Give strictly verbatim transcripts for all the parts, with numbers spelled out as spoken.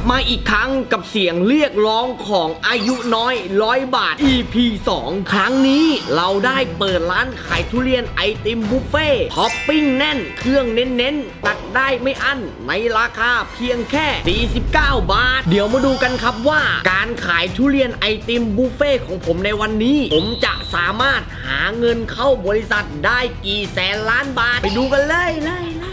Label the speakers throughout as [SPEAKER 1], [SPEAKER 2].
[SPEAKER 1] มาอีกครั้งกับเสียงเรียกร้องของอายุน้อยร้อยบาท อี พี สอง ครั้งนี้เราได้เปิดร้านขายทุเรียนไอติมบุฟเฟ่ท็อปปิ้งแน่นเครื่องเน้นๆตักได้ไม่อั้นในราคาเพียงแค่สี่สิบเก้าบาทเดี๋ยวมาดูกันครับว่าการขายทุเรียนไอติมบุฟเฟ่ของผมในวันนี้ผมจะสามารถหาเงินเข้าบริษัทได้กี่แสนล้านบาทไปดูกันเลยเลยเลย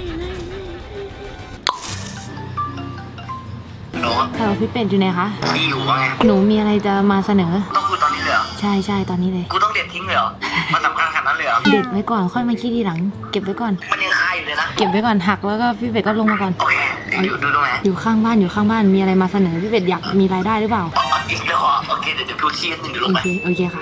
[SPEAKER 2] หนู
[SPEAKER 3] เออพี่เป็ดอยู่ไหนคะ
[SPEAKER 2] พี่อยู่ว่าไง
[SPEAKER 3] หนูมีอะไรจะมาเสนอ
[SPEAKER 2] ต้องคุยตอนนี้เลยเหรอ
[SPEAKER 3] ใช่ใช่ตอนนี้เลย
[SPEAKER 2] กูต้องเด็ดทิ้งเลยเหรอมันสำคัญขนาดนั้นเลยเหรอ
[SPEAKER 3] เด็ดไว้ก่อนค่อยมาคิดทีหลัง เก็บไว้ก่อน
[SPEAKER 2] มันยังคาอยู่เลยนะ
[SPEAKER 3] เก็บไว้ก่อนหักแล้วก็พี่เป็ดก็ลงมาก่อน
[SPEAKER 2] โอเคอยู่ดูตรงไหน
[SPEAKER 3] อยู่ข้างบ้านอยู่ข้างบ้านมีอะไรมาเสนอพี่เป็ดอยากมีรายได้หรือเปล่า
[SPEAKER 2] อ๋ออีกแล้วเหรอโอเคเดี๋ยวเดี๋ยวดูชี้นิดนึงเดี๋ยวล
[SPEAKER 3] โอง
[SPEAKER 2] ไป
[SPEAKER 3] เคโอเคค่ะ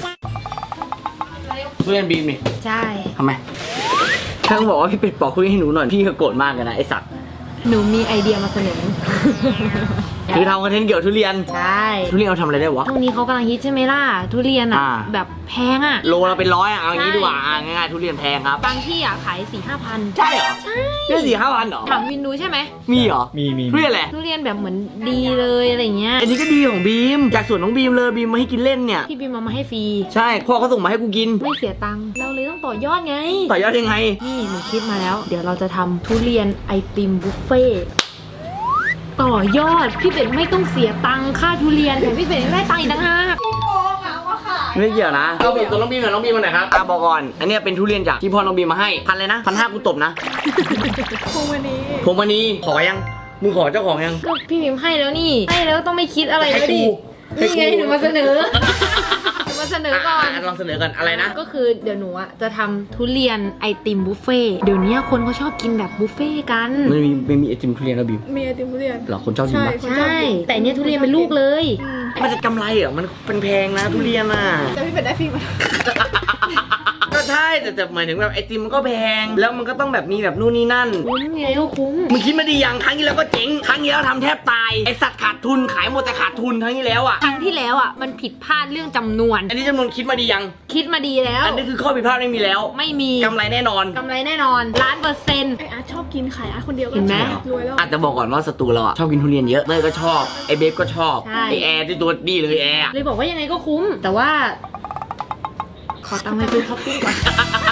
[SPEAKER 1] ทุเรียนบีมนี่
[SPEAKER 3] ใช่
[SPEAKER 1] ทำไมถ้าบอกว่าพี่เป็ดปอกทุเรียนให้หนูหน่อยพี่ก็โกรธมากเลยนะไอสัตว์
[SPEAKER 3] หนูมีไอเดียมาเสนอ
[SPEAKER 1] คือทำคอนเทนต์เกี่ยวกับทุเรียน
[SPEAKER 3] ใช่
[SPEAKER 1] ทุเรียนเอาทำอะไรได้วะ
[SPEAKER 3] ช่วงนี้เขากำลังฮิตใช่ไหมล่ะทุเรียนอ่ะ
[SPEAKER 1] อ่า
[SPEAKER 3] แบบแพงอ่ะ
[SPEAKER 1] โลละเป็นร้อยอ่ะเอาอย่างนี้
[SPEAKER 3] ใช่
[SPEAKER 1] ดีกว่าอ่ะง่ายๆทุเรียนแพงครับ
[SPEAKER 3] บางที่อ่ะขายสี่ห้าพัน
[SPEAKER 1] ใช่เหรอ
[SPEAKER 3] ใช่
[SPEAKER 1] ได้สี่ห้าพันเหรอ
[SPEAKER 3] ถามวินดูใช่ไหม
[SPEAKER 1] มีเหรอ
[SPEAKER 4] มีมี
[SPEAKER 1] ทุเรียนแหละ
[SPEAKER 3] ทุเรียนแบบเหมือนดีเลยอะไรเงี้ย
[SPEAKER 1] อันนี้ก็ดีของบีมจากสวนน้องบีมเลยบีมมาให้กินเล่นเนี่ย
[SPEAKER 3] พี่บิมเอามาให้ฟรี
[SPEAKER 1] ใช่พ่อเขาส่งมาให้กูกิน
[SPEAKER 3] ไม่เสียตังค์เราเลยต้องต่อยอดไง
[SPEAKER 1] ต่อยอดยังไง
[SPEAKER 3] นี่หนูคิดมาแล้ว เดี๋ยวเราจะทำทุเรียนไอติมบุฟเฟ่ต์ต่อยอดพี่เป็ดไม่ต้องเสียตังค่าทุเรียนแต่พี่เป็ดยังได้ตังค์อีกต่างหาก
[SPEAKER 1] ไม่เกี่ยวนะเอาบีมตัวน้องบีมกับน้องบีมมาไหนอยครับอ่ะบอกก่อนอันเนี้ยเป็นทุเรียนจากที่พ่อน้องบีมมาให้พันเลยนะพันห้ากูตบนะ
[SPEAKER 3] พวงวันนี้
[SPEAKER 1] ผมวันนี้ขอยังมึงขอเจ้าของยัง
[SPEAKER 3] ก็พี่บิมให้แล้วนี่ให้แล้วต้องไม่คิดอะไรแล้วดิ
[SPEAKER 1] ให้กู
[SPEAKER 3] นี่ไงหนูมาเสนอหนูมาเสนอก่อน
[SPEAKER 1] ะะลองเสนอกันอะไรนะ
[SPEAKER 3] ก็คือเดี๋ยวหนูอะจะทำทุเรียนไอติมบุฟเฟ่ต์เดี๋ยวนี้คนเขาชอบกินแบบบุฟเฟ่ต์กัน
[SPEAKER 1] ไม่มีไม่มีไอติมทุเรียนแล้วบิว
[SPEAKER 5] มีไอติมทุเรียน
[SPEAKER 1] เหรอคนชอบกินปะ
[SPEAKER 3] ใช่ แต่อันเนี้ยทุเรียนเป็นลูกเลย
[SPEAKER 1] มันจะกำไรเหรอมันเป็นแพงนะทุเรียนอ่ะ
[SPEAKER 5] แต่พี่เป็ดได้ฟรีมา
[SPEAKER 1] ก็ใช่แต่แต่หมายถึงแบบไอติมมันก็แพงแล้วมันก็ต้องแบบมีแบบนู่นนี่นั่น
[SPEAKER 3] คุ้มไงก็คุ้ม
[SPEAKER 1] มึงคิดมาดีอย่างครั้งที่แล้วก็เจ๊งครั้งที่แล้วทำแทบตายไอสัตว์ขาดทุนขายหมดแต่ขาดทุนครั้งที่แล้วอ่ะ
[SPEAKER 3] ครั้งที่แล้วอ่ะมันผิดพลาดเรื่องจำนวน
[SPEAKER 1] อันนี้จำนวนคิดมาดียัง
[SPEAKER 3] คิดมาดีแล้ว
[SPEAKER 1] อันนี้คือข้อผิดพลาดไม่มีแล้ว
[SPEAKER 3] ไม่มี
[SPEAKER 1] กำไรแน่นอน
[SPEAKER 3] กำไรแน่นอนล้านเปอร์เซ็นต์
[SPEAKER 5] ไออาร์ตชอบกินขายอาร์ตคนเดียวก็
[SPEAKER 3] เห็นไหม
[SPEAKER 5] รวยแล้ว
[SPEAKER 1] อาจจะบอกก่อนว่าสตูเราอะชอบกินทุเรียนเยอะเต้ยก็ชอบไอเบฟก็ชอบ
[SPEAKER 3] ใช่
[SPEAKER 1] ไอแอร์ที่ตัวดีเลยแอร์อะ
[SPEAKER 3] เลยบอกว่ายังไงก็คุ้ม แต่ว่า ขอตังค์ไปซื้อท็อปปิ้งก่อน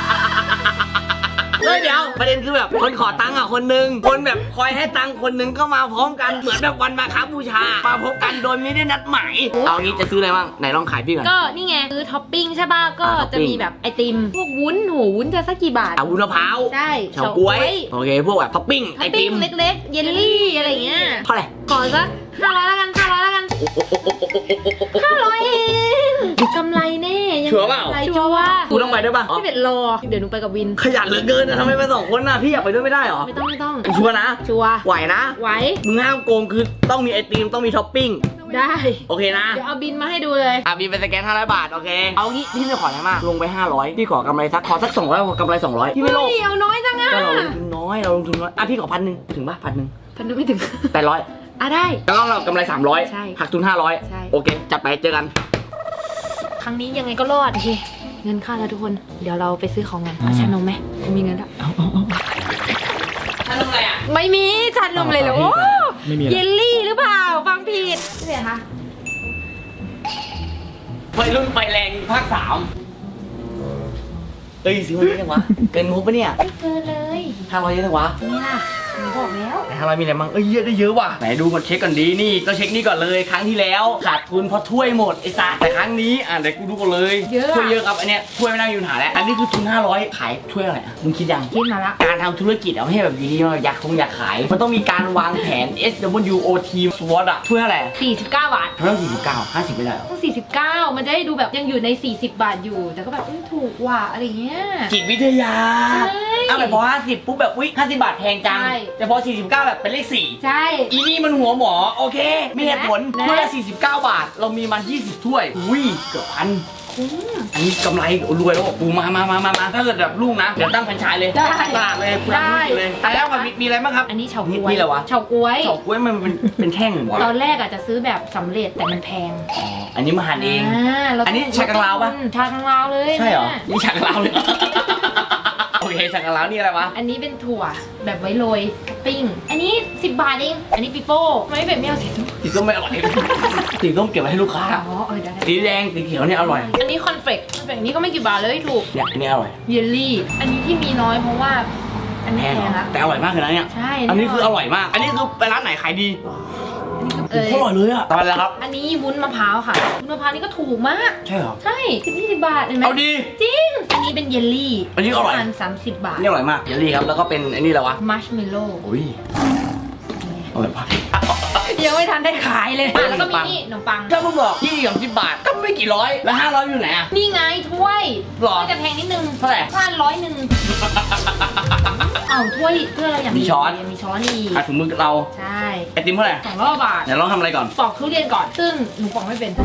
[SPEAKER 1] เฮ้ยเดี๋ยวประเด็นคือแบบคนขอตังค์อ่ะคนนึงคนแบบคอยให้ตังค์คนนึงก็มาพร้อมกันเหมือนแบบวันมาค้าบูชามาพบกันโดยไม่ได้นัดหมายเอางี้จะซื้ออะไรบ้างไหนลองขายพี่ก่อน
[SPEAKER 3] ก็นี่ไงซื้อท็อปปิ้งใช่ป่ะก็
[SPEAKER 1] อ่าท็อปปิ้
[SPEAKER 3] จะ
[SPEAKER 1] ง
[SPEAKER 3] มีแบบไอติม พวกวุ้นโหวุ้นจะสักกี่บาท
[SPEAKER 1] อาวุ้นมะพร้าว
[SPEAKER 3] ใช่
[SPEAKER 1] เฉาก๊วยโอเคพวกแบบท็อปปิ้ง
[SPEAKER 3] ท็
[SPEAKER 1] ไอ
[SPEAKER 3] อป
[SPEAKER 1] ติ
[SPEAKER 3] ปิ้ง
[SPEAKER 1] ม
[SPEAKER 3] เล็กๆ เยลลี่อะไรเงี้ย
[SPEAKER 1] เท่าไหร่
[SPEAKER 3] ขอสักห้าร้อยแล้วกันห้าร้อยแล้วกันห้าร้อยเองกำไรแน่ยัง
[SPEAKER 1] ชัวร์เปล่า
[SPEAKER 3] กำไรชัวร์
[SPEAKER 1] กูต้องไปด้วยป่ะ
[SPEAKER 3] พี่เป็ดรอ เดี๋ยวหนูไปกับวิน
[SPEAKER 1] ขยันเหลือเกินนะทำไมไปสองคนน่ะพี่อยากไปด้วยไม่ได้หรอ
[SPEAKER 3] ไม่ต้องไม่ต้อง
[SPEAKER 1] ชัวร์นะ
[SPEAKER 3] ชัวร์
[SPEAKER 1] ไหวนะ
[SPEAKER 3] ไหว
[SPEAKER 1] มึงห้ามโกงคือต้องมีไอติมต้องมีท็อปปิ้ง
[SPEAKER 3] ได้
[SPEAKER 1] โอเคนะ
[SPEAKER 3] เดี๋ยวเอาบินมาให้ดูเลย
[SPEAKER 1] อ่ะมีเป็นสแกนห้าร้อยบาท โอเค เอางี้พี่ไม่ขออะไรมาก ลงไปห้าร้อยพี่ขอกำไรสัก ขอสักสองร้อยขอกำไรสองร้อยพี่ไม่โลภ
[SPEAKER 3] เฮ้ยเอาน้อยจังอะ
[SPEAKER 1] ก็เราลงทุนน้อย เราลงทุนน้อย อ่ะพี่ขอพันหนึ่งถึงป่ะพันหนึ่ง
[SPEAKER 3] พันนึงไม่ถึง
[SPEAKER 1] แปดร้อย
[SPEAKER 3] อ่ะได้
[SPEAKER 1] แล้วก็เรากำไรสามร้อย
[SPEAKER 3] ใช่
[SPEAKER 1] หักทุนห้าร้อย
[SPEAKER 3] ใช่
[SPEAKER 1] โอเค จัดไปเจอกัน
[SPEAKER 3] ครั้งนี้ยังไงก็รอด โอเค เงินค่าแล้วทุกคน เดี๋ยวเราไปซื้อของกันเอาชานมไหมกูมีเงินแล้ว
[SPEAKER 1] ถ้าลงอะไรอ่ะ
[SPEAKER 3] ไม่มีชานมเลยเหรอโอ้
[SPEAKER 4] ไม่มีอะไร
[SPEAKER 3] เยลลี่หรือเปล่า ฟังผิดเสียคะ
[SPEAKER 1] วัยรุ่นไฟแรงภาคสามเอ้ยซื้อมาเยอะจังวะ เกินงบปะเนี่ย
[SPEAKER 3] ไม่เกินเลย
[SPEAKER 1] ห้าร้อยเยอะจังวะ
[SPEAKER 3] นี่ล่ะหนูบอกแล้ว
[SPEAKER 1] ไหนห้าร้อยมีอะไรบ้างเอ้ยเยอะได้เยอะว่ะ ไหนดูก่อนเช็คก่อนดี นี่ก็เช็คนี่ก่อนเลย ครั้งที่แล้วขาดทุนเพราะถ้วยหมดไอ้สัสแต่ครั้งนี้อ่ะเดี๋ยวกูดูก่อนเลย
[SPEAKER 3] เยอะอะ
[SPEAKER 1] ถ้วยเยอะครับ อันเนี้ยถ้วยไม่น่ามีปัญหาแล้ว อันนี้คือทุนห้าร้อยขายถ้วยอะไรอ่ะ มึงคิดยัง
[SPEAKER 3] คิดมาละ
[SPEAKER 1] การทำธุรกิจเอาไม่ให้แบบอยู่ดีๆอยากคงอยากขาย มันต้องมีการวางแผน เอส ดับเบิลยู โอ ที สวอตอะถ้วยเท่าไหร่
[SPEAKER 3] สี่สิบเก้าบาท
[SPEAKER 1] เท่าสี่สิบเก้าห้าสิบไม่ได้หรอ
[SPEAKER 3] ต้องสี่สิบเก้ามันจะได้ดูแบบยังอยู่ในสี่สิบบาทอยู่ แต่ก็แบบเอ้ยถูกว่ะอะไรเงี้ย
[SPEAKER 1] จิตวิทยา
[SPEAKER 3] ใช่
[SPEAKER 1] เอาแบบพอห้าสิบปุ๊บแบบอุ๊ยห้าสิบบาทแพงจัง
[SPEAKER 3] ใช่
[SPEAKER 1] แต่พอสี่สิบเก้าแบบเป็นเลขสี่
[SPEAKER 3] ใช่
[SPEAKER 1] อีนี่มันหัวหมอโอเคไม่เหตุผล
[SPEAKER 3] นะ
[SPEAKER 1] ถ้วยละสี่สิบเก้าบาท เรามีมันยี่สิบถ้วยอุ้ยเกือบพัน
[SPEAKER 3] คุ้ม
[SPEAKER 1] อันนี้กำไรรวยแล้วบอกปูมามามามามาถ้าเกิดแบบลูกนะ เดี๋ยวตั้งแฟรนไชส์เลย
[SPEAKER 3] ได้
[SPEAKER 1] ขายตลาดเลยกูทำธุรกิจเลยแต่แล้วมันมีมีอะไรบ้างครับ
[SPEAKER 3] อันนี้เฉา
[SPEAKER 1] นี่
[SPEAKER 3] ก๊วย
[SPEAKER 1] นี่อะไรวะ
[SPEAKER 3] เฉาก๊วย
[SPEAKER 1] เฉาก๊วยมันเป็นเป็นแท่งเหรอ
[SPEAKER 3] ตอนแรกอาจจะซื้อแบบสำเร็จแต่มันแพง
[SPEAKER 1] อ๋ออันนี้มาหั่นเอง
[SPEAKER 3] อ่าเรา
[SPEAKER 1] อันนี้ชากังลาวปะ
[SPEAKER 3] ชากังลาวเลย
[SPEAKER 1] ใช่เหรอ
[SPEAKER 3] นี่ย
[SPEAKER 1] นี่ฉากเราเลย โอเคเคสักการะนี่อะไรวะ
[SPEAKER 3] อันนี้เป็นถั่วแบบไว้โรยท็อปปิ้ง อันนี้สิบบาทเอง อันนี้ปิโป้ทำไมไม่เป็นไม่เอาสีส้ม
[SPEAKER 1] สีส้มไม่อร่อยสีส้มเก็บไว้ให้ลูกค้า
[SPEAKER 3] อ๋อเออได้
[SPEAKER 1] สีแดงสีเขียวเนี่ยอร่อย
[SPEAKER 3] อันนี้คอนเฟกคอนเฟกนี้ก็ไม่กี่บาทเลยถูก
[SPEAKER 1] เนี่ยอันนี้อร่อย
[SPEAKER 3] เยลลี่ อันนี้ที่มีน้อยเพราะว่า อันนี้
[SPEAKER 1] แพง
[SPEAKER 3] แพง
[SPEAKER 1] เหรอ
[SPEAKER 3] ละ
[SPEAKER 1] แต่อร่อยมากเลยนะเนี่ย
[SPEAKER 3] ใช่
[SPEAKER 1] อันนี้คืออร่อยมาก อันนี้คือไปร้านไหนขายดี
[SPEAKER 3] เออ
[SPEAKER 1] โคตรอร่อยเลยอะตอนแล้วครับ
[SPEAKER 3] อันนี้วุ้นมะพร้าวค่ะ วุ้นมะพร้าวนี่ก็ถูกมาก
[SPEAKER 1] ใช่เหรอ
[SPEAKER 3] ใช่สิบยี่สิบบาทเห็นไหม
[SPEAKER 1] เอาดี
[SPEAKER 3] จริง อันนี้เป็นเยลลี่
[SPEAKER 1] อันนี้อร่อย
[SPEAKER 3] ประมาณสามสิบบาท
[SPEAKER 1] นี่อร่อยมากเยลลี่ครับ แล้วก็เป็นอันนี้แล้ววะ
[SPEAKER 3] มัชเมลโล่
[SPEAKER 1] อุ้ยอร่อยมาก
[SPEAKER 3] ยังไม่ทันได้ขายเลยอ่ะแล้วก็มีนี่ขนมปัง
[SPEAKER 1] ถ้ามึงบอกยี่สิบสิบบาทก็ไม่กี่ร้อย แล้วห้าร้อยอยู่ไหนอะ
[SPEAKER 3] นี่ไงถ้วย
[SPEAKER 1] หรอ
[SPEAKER 3] ถ้วยจะแพงนิดนึง
[SPEAKER 1] เท่าไหร่
[SPEAKER 3] ประมาณร้อยหนึ่งอ้าวถ้วยถ้วยเราอย่าง
[SPEAKER 1] มีช้อน
[SPEAKER 3] มีช้อนอีก
[SPEAKER 1] อ่ะถุงมือเรา
[SPEAKER 3] ใช่
[SPEAKER 1] ไอติมเท่าไหร่
[SPEAKER 3] สองร้อยบาท
[SPEAKER 1] เดี๋ยวลองทำอะไรก่อน
[SPEAKER 3] ปอกทุเรียนก่อน ซึ่งหนูปอกไม่เป็น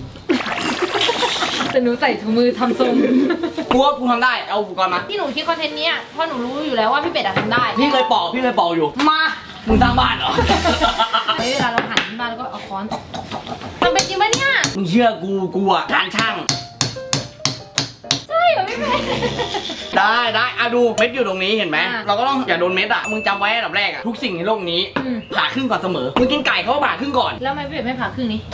[SPEAKER 3] แต่หนูใส่ถุงมือทำทรง
[SPEAKER 1] กูว่ากูทำได้ เอาอุปกรณ์มา
[SPEAKER 3] ที่หนูคิดคอนเทนต์เนี้ยเพราะหนูรู้อยู่แล้วว่าพี่เป็ดอะทำได้
[SPEAKER 1] พี่เคยปอก พี่เคยปอกอยู่
[SPEAKER 3] มา
[SPEAKER 1] มึงสร้างบ้านเหรอ
[SPEAKER 3] เฮ้ยเวลาเราหั่นขึ้นมาแล้วก็เอาค้อนตอกตอกตอกตอกทำเป็นจริงปะเนี่ย
[SPEAKER 1] มึงเชื่อกู กูอะการช่าง
[SPEAKER 3] ใช่เหรอพี่เป็ด
[SPEAKER 1] ได้ได้อะดูเม็ดอยู่ตรงนี้เห็นไหม
[SPEAKER 3] อ่ะ
[SPEAKER 1] เราก็ต้องอย่าโดนเม็ดอะมึงจำไว้อันดับแรกอะทุกสิ่งในโลกนี้
[SPEAKER 3] อืม
[SPEAKER 1] ผ่าครึ่งก่อนเสมอ มึงกินไก่เขาก็ผ่าครึ่งก่อน
[SPEAKER 3] แล้วทำไมพี่เป็ดไม่ผ่าครึ่งนี้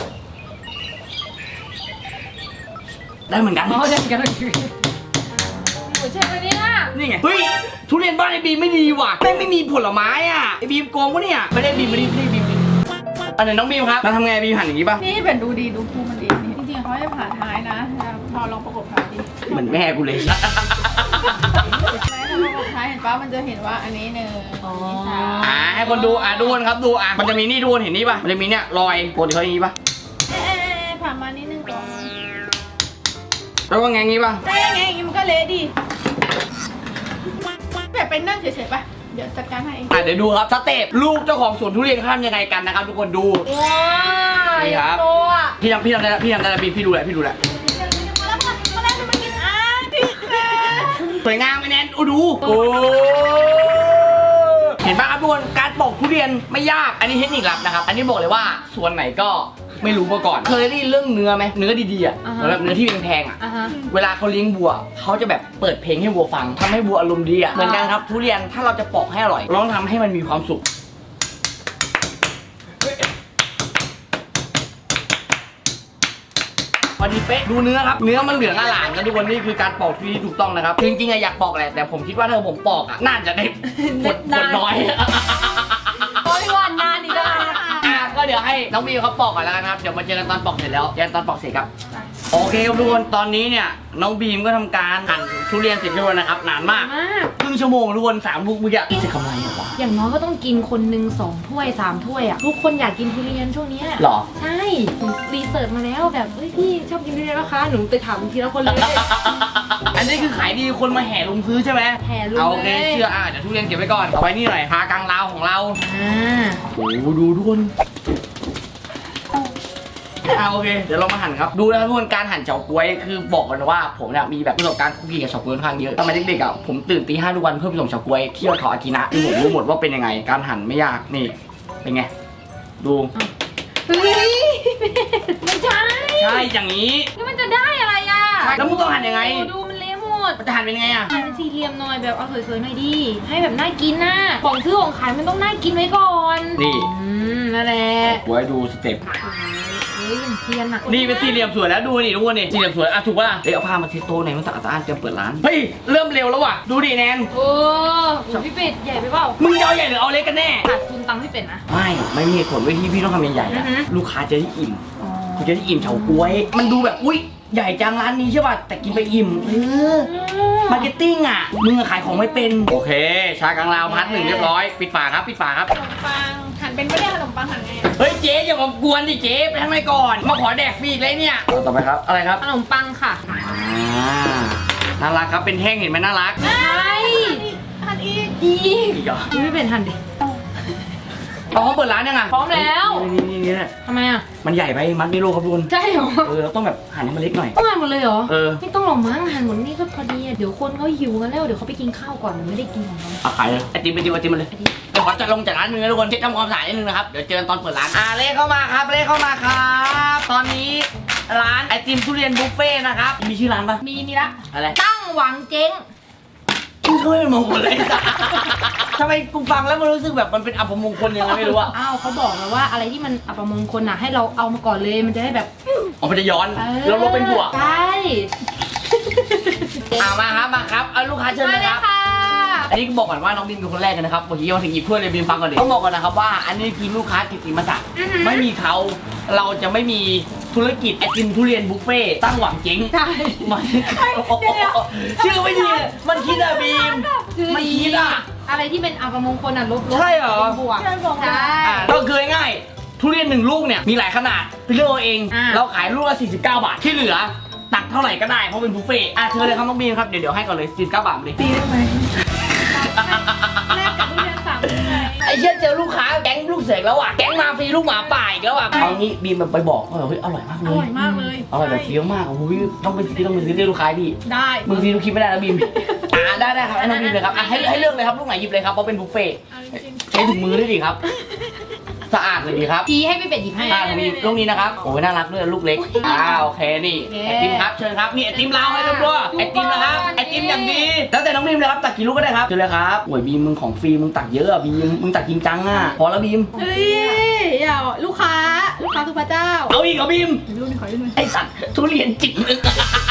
[SPEAKER 1] ได้เหมือนกัน
[SPEAKER 3] อ๋อเดี๋ยวกันหนูใช่ไหมเนี่ย
[SPEAKER 1] นี่ไง เฮ้ย ทุเรียนบ้านไอ้บีมไม่ดีว่ะแม่งไม่มีผลไม้อ่ะ ไอ้บีมโกงปะเนี่ย ไม่ได้บีมไม่ได้ไม่ได้บีมอันไหนน้องบีมครับเราทำไงบีมหั่นอย่างนี้ป่ะ
[SPEAKER 5] นี่เป็นดูดีดูภูมันดีนี่จริงๆเขาให้ผ่าท้ายนะพอลองประกบท้ายดิ
[SPEAKER 1] เหมือนแม่กูเลย
[SPEAKER 5] แม้ถ้าประกบท้ายเห็นป่ะมันจะเห็นว่าอันนี้หนึ่งอันนี้สาม
[SPEAKER 1] อ่าให้คนดูอ่ะดูคนครับดูอ่ะมันจะมีนี่ดูคนเห็นนี่ป่ะมันจะมีเนี่ยรอยปกติเขาอย่างนี้ป่ะ
[SPEAKER 5] เอ๊ะผ่ามานิดนึงก่อน
[SPEAKER 1] แล้วก็ไงงี้ป่ะ
[SPEAKER 5] ได้ไงอย่างงี้มันก็เละดิแบบเป็นนั่งเฉยๆป่ะเดี๋ยวจัดการให้เอง
[SPEAKER 1] อ่ะเดี๋ยวดูครับสเต็ปลูกเจ้าของสวนทุเรียนเขาทำยังไงกันนะครับทุกคนดู
[SPEAKER 3] ว้า
[SPEAKER 1] นี่ครับ
[SPEAKER 3] โตอ่ะ
[SPEAKER 1] พี่ทำพี่ทำได้แล้วพี่ทำได้แล้วบีมพี่ดูแหละพี่ดูแหละ
[SPEAKER 5] มาแล้วมามาแล้วมากินอ่ะพี่แม่
[SPEAKER 1] สวยงามไหมแนนโอ้ดูโอ้เห็นป่ะครับทุกคนการปอกทุเรียนไม่ยากอันนี้เทคนิคลับนะครับอันนี้บอกเลยว่าสวนไหนก็ไม่รู้มาก่อนเคยได้ยินเรื่องเนื้อไหมเนื้อดีๆอ่ะแบบเนื้อที่แพงๆอ่ะ
[SPEAKER 3] อ่ะฮะ
[SPEAKER 1] เวลาเขาเลี้ยงวัวเขาจะแบบเปิดเพลงให้วัวฟังทำให้วัวอารมณ์ดีอ่ะเหมือนกันครับทุเรียนถ้าเราจะปอกให้อร่อยเราต้องทำให้มันมีความสุขพอดีเป๊ะดูเนื้อครับเนื้อมันเหลืองอร่ามนะทุกคนนี่คือการปอกที่ถูกต้องนะครับจริงๆอะอยากปอกแหละแต่ผมคิดว่าถ้าผมปอกอะน่าจะได้ผลผลน้อย
[SPEAKER 3] โอ้ยวันนานอีกแล้ว
[SPEAKER 1] อ่ะก็เดี๋ยวให้น้องบีเขาปอกก่อนแล้วกันครับเดี๋ยวมาเจอกันตอนปอกเสร็จแล้วเจอกันตอนปอกเสร็จครับโอเคครับทุกคนตอนนี้เนี่ยน้องบีมก็ทำการหั่นทุเรียนเสร็จเรียบร้อยนะครับนานมาก
[SPEAKER 3] มาก
[SPEAKER 1] ครึ่งชั่วโมงทุกคนสามลูกเมื่อกี้จะกำไรเหรอวะ
[SPEAKER 3] อย่างน้อยก็ต้องกินคนหนึ่งสองถ้วยสามถ้วยอ่ะทุกคนอยากกินทุเรียนช่วงเนี้ย
[SPEAKER 1] หรอ
[SPEAKER 3] ใช่หนูรีเสิร์ชมาแล้วแบบเฮ้ยพี่ชอบกินทุเรียนนะคะหนูไปถามทีละคนเลย
[SPEAKER 1] อันนี้คือขายดีคนมาแห่ลุมซื้อใช่ไหม
[SPEAKER 3] แห่ลุม
[SPEAKER 1] เอาโอเค
[SPEAKER 3] เลย
[SPEAKER 1] เชื่ออ่ะเดี๋ยวทุเรียนเก็บไว้ก่อนเอาไว้นี่หน่อยพากลางลาวของเรา
[SPEAKER 3] อ่า
[SPEAKER 1] โอ้โหดูทุกคนเอาโอเคเดี๋ยวเรามาหั่นครับดูนะครับทุกคนการหั่นเฉาก๊วยคือบอกกันนะว่าผมเนี่ยมีแบบประสบการณ์คุกกี้กับเฉาก๊วยค่อนข้างเยอะตอนเด็กๆอ่ะผมตื่นตีห้าทุกวันเพื่อไปส่งเฉาก๊วยที่ยอดเขาอากินะคือผมรู้หมดว่าเป็นยังไง การหั่นไม่ยากนี่เป็นไงดู
[SPEAKER 3] เฮ้ยไม่ใช่
[SPEAKER 1] ใช่อย่างนี้
[SPEAKER 3] แล้วมันจะได้อะไรอ่ะ
[SPEAKER 1] ใช่แล้วมึงต้องหั่นยังไง
[SPEAKER 3] โอ้ดูมันเละหมด
[SPEAKER 1] มันจะหั่นเป็นยังไงอ่ะ
[SPEAKER 3] หั่นเป็นสี่เหลี่ยมหน่อยแบบเอาสวยๆหน่อยดิให้แบบน่ากินน่ะของซื้อของขายมันต้องน่ากินไว้ก่อน
[SPEAKER 1] นี่
[SPEAKER 3] อืมนั่นแหละ
[SPEAKER 1] ไว้ดูสเต็ป
[SPEAKER 3] เฮ้ยอย่างเทียนอ่ะ
[SPEAKER 1] นี่เป็นสี่เหลี่ยมสวยแล้วดูนี่ทุกคนนี่สี่เหลี่ยมสวยอ่ะถูกป่ะเฮ้ยเอาผ้ามาเช็ดโต๊ะไหนมันสะอาดสะอ้านเตรียมเปิดร้านเฮ้ยเริ่มเร็วแล้วว่ะดูดิแนน
[SPEAKER 3] โอ้โหพี่เป็ดใหญ่ไปเปล่า
[SPEAKER 1] มึงจะเอาใหญ่หรือเอาเล็กกันแน่
[SPEAKER 3] ขาดทุนตังค์พี่เป็ดนะ
[SPEAKER 1] ไม่ไม่มีเหตุผลไว้ที่พี่ต้องทำใหญ่ๆ
[SPEAKER 3] อื
[SPEAKER 1] อะ
[SPEAKER 3] อฮึ
[SPEAKER 1] ลูกค้าจะได้อิ่ม
[SPEAKER 3] อ๋อ
[SPEAKER 1] คุณจะได้อิ่มเฉาก๊วย มันดูแบบอุ้ยใหญ่จังร้านนี้ใช่ป่ะแต่กินไปอิ่มเออมาร์เก็ตติ้งอ่ะมึงอะขายของไม่เป็นโอเค ชากลางลาวพัดหนึ่งเรียบร้อยปิดฝาครับปิดฝาครับ
[SPEAKER 5] ขนมปังหั่นเป็นไม่ได้ขนมปังหั่นไง
[SPEAKER 1] เฮ้ยเจ๊อย่ามากวนดิเจ๊ไปทำไมก่อนมาขอแดกฟรีอีกเลยเนี่ยต่อไปครับอะไรครับ
[SPEAKER 3] ขนมปังค่ะ
[SPEAKER 1] อ่าน่ารักครับเป็นแท่งเห็นไหมน่ารัก
[SPEAKER 3] ใช่
[SPEAKER 5] หั่นอีก
[SPEAKER 3] อี
[SPEAKER 1] อีกเหรอ
[SPEAKER 3] พี่เป็ดหั่นดิ
[SPEAKER 1] พร้อมเปิดร้านยังอ่ะ
[SPEAKER 3] พร้อมแล้ว
[SPEAKER 1] นี่นี่นี่นี่
[SPEAKER 3] ทำไมอ่ะ
[SPEAKER 1] มันใหญ่ไปมัดไม่โลครับทุกคน
[SPEAKER 3] ใช่เหรอ
[SPEAKER 1] เออเราต้องแบบหั่นให้มันเล็กหน่อย
[SPEAKER 3] ต้องหั่นหมดเลยเหรอ
[SPEAKER 1] เออ
[SPEAKER 3] ไม่ต้องหรอกมั้งหั่นหมดนี่ก็พอดีอะเดี๋ยวคนเขาหิวกันแล้วเดี๋ยวเขาไปกินข้าวก่อนไม่ได้กินของเรา
[SPEAKER 1] เอาขายเลยไอติมไอติมไอติมมาเลย
[SPEAKER 3] ไอติม
[SPEAKER 1] เดี๋ยวขอจัดลงจัดร้านนึงนะทุกคนเช็คทำความสะอาดนิดนึงนะครับเดี๋ยวเจอกันตอนเปิดร้านอ่าเลขเข้ามาครับเลขเข้ามาครับตอนนี้ร้านไอติมทุเรียนบุฟเฟ่ต์นะครับมีชื่อร้านปะ
[SPEAKER 3] มีมีละ
[SPEAKER 1] อะไร
[SPEAKER 3] ตั้งหวังเจ๊ง
[SPEAKER 1] อมึงก็ไม่มงคลเลยทำไมกูฟังแล้วมันรู้สึกแบบมันเป็นอัปมงคลยังไงไม่รู้อะ
[SPEAKER 3] อ้าวเขาบอกแล้วว่าอะไรที่มันอัปมงคลน่ะให้เราเอามาก่อนเลยมันจะได้แบบ
[SPEAKER 1] อ๋อมันจะย้อน
[SPEAKER 3] ออ
[SPEAKER 1] แล้วลบเป็นบวก
[SPEAKER 3] ใช่
[SPEAKER 1] อ่ามาครับมาครับเอาลูกค้าเชิญ
[SPEAKER 3] มา
[SPEAKER 1] เลย
[SPEAKER 3] เล
[SPEAKER 1] ค
[SPEAKER 3] ย
[SPEAKER 1] รับ
[SPEAKER 3] ค่ะ
[SPEAKER 1] อันนี้ก็บอกก่อนว่าน้องบินเป็นคนแรกกันนะครับเมื่อกี้มาถึงหยิบถ้วยเลยบินฟังก่อนดิต้องบอกก่อนนะครับว่าอันนี้คือลูกค้ากิตติมศักดิ์ไม่มีเขาเราจะไม่มีธุรกิจไอติมทุเรียนบุฟเฟ่ต์ตั้งหวังเจ๊ง
[SPEAKER 3] ใช่
[SPEAKER 1] มันชื่อไม่ดีมันคิดอะบีม
[SPEAKER 3] คือ
[SPEAKER 1] มัน
[SPEAKER 3] ดี
[SPEAKER 1] คิดอะ
[SPEAKER 3] อะไรที่เป็นอัปมงคลอ่ะลบลบ
[SPEAKER 1] ใช่เหรอ
[SPEAKER 3] เป็นบวก
[SPEAKER 5] ใช่บอก
[SPEAKER 3] ใช่
[SPEAKER 1] อ่าก็คือง่ายๆทุเรียนหนึ่งลูกเนี่ยมีหลายขนาดไปเลือกเอาเอง
[SPEAKER 3] อ่า
[SPEAKER 1] เราขายลูกละสี่สิบเก้าบาทที่เหลือตักเท่าไหร่ก็ได้เพราะเป็นบุฟเฟ่ต์อ่ะเชิญเลยครับน้องบีมครับเดี๋ยวเดี๋ยวให้ก่อนเลยสี่สิบเก้าบาทเลย
[SPEAKER 5] ตีได้ไหมแลกกับทุเรียนสามลูกไหม
[SPEAKER 1] ไอ้เชี่ยเจอลูกค้าแก๊งลูกเสกแล้วอ่ะแก๊งมาฟรีลูกหมาป่าอีกแล้วอ่ะเอางี้บีมแบบไปบอกว่าเฮ้ยอร่อยมากเล
[SPEAKER 5] อย ร่อยมากเลย
[SPEAKER 1] อร่อยแบบเฟี้ยวมากโอ้โหพี่ต้องไปซื้อต้องไปซื้อที่ลูกค้าพี่
[SPEAKER 5] ได้
[SPEAKER 1] มึงซื้อลูกคิดไม่ได้นะบีมอ่าได้ได้ครับให้น้องบีมเลยครับอ่ะให้ให้เลือกเลยครับลูกไหนหยิบเลยครับเพราะเป็นบุฟเฟ่ต์
[SPEAKER 5] เอาจริง
[SPEAKER 1] ใช้ถุงมือด้วยดิครับสะอาดเลยดีครับ
[SPEAKER 3] ชี้ให้พี่เป็ดหยิบให้
[SPEAKER 1] อ่าตรงนี้ลูกนี้นะครับโอ้ยน่ารักด้วยลูกเล็กอ่าโอเคนี่
[SPEAKER 3] โอเค
[SPEAKER 1] ไอติมครับเชิญครับนี่ไอติมเราให้เรียบร้อยไอติมนะครับไอติมอย่างดีแล้วแต่น้องบีมเลยครับตักกี่ลูกก็ได้ครับเชิญเลยครับโอ้ยบีมมึงของฟรีมึงตักเยอะอ่ะบีมมึงตักจริงจังอ่ะพอแล้วบีม
[SPEAKER 5] ๆเฮ้ยอย่าลูกค้าลูกค้าคือพระเจ้า
[SPEAKER 1] เอาอีกเหรอบีม
[SPEAKER 5] รุ่นขอรุ่นหน่อย
[SPEAKER 1] ไอสัตว์ทุเรียนจิ๋มนึง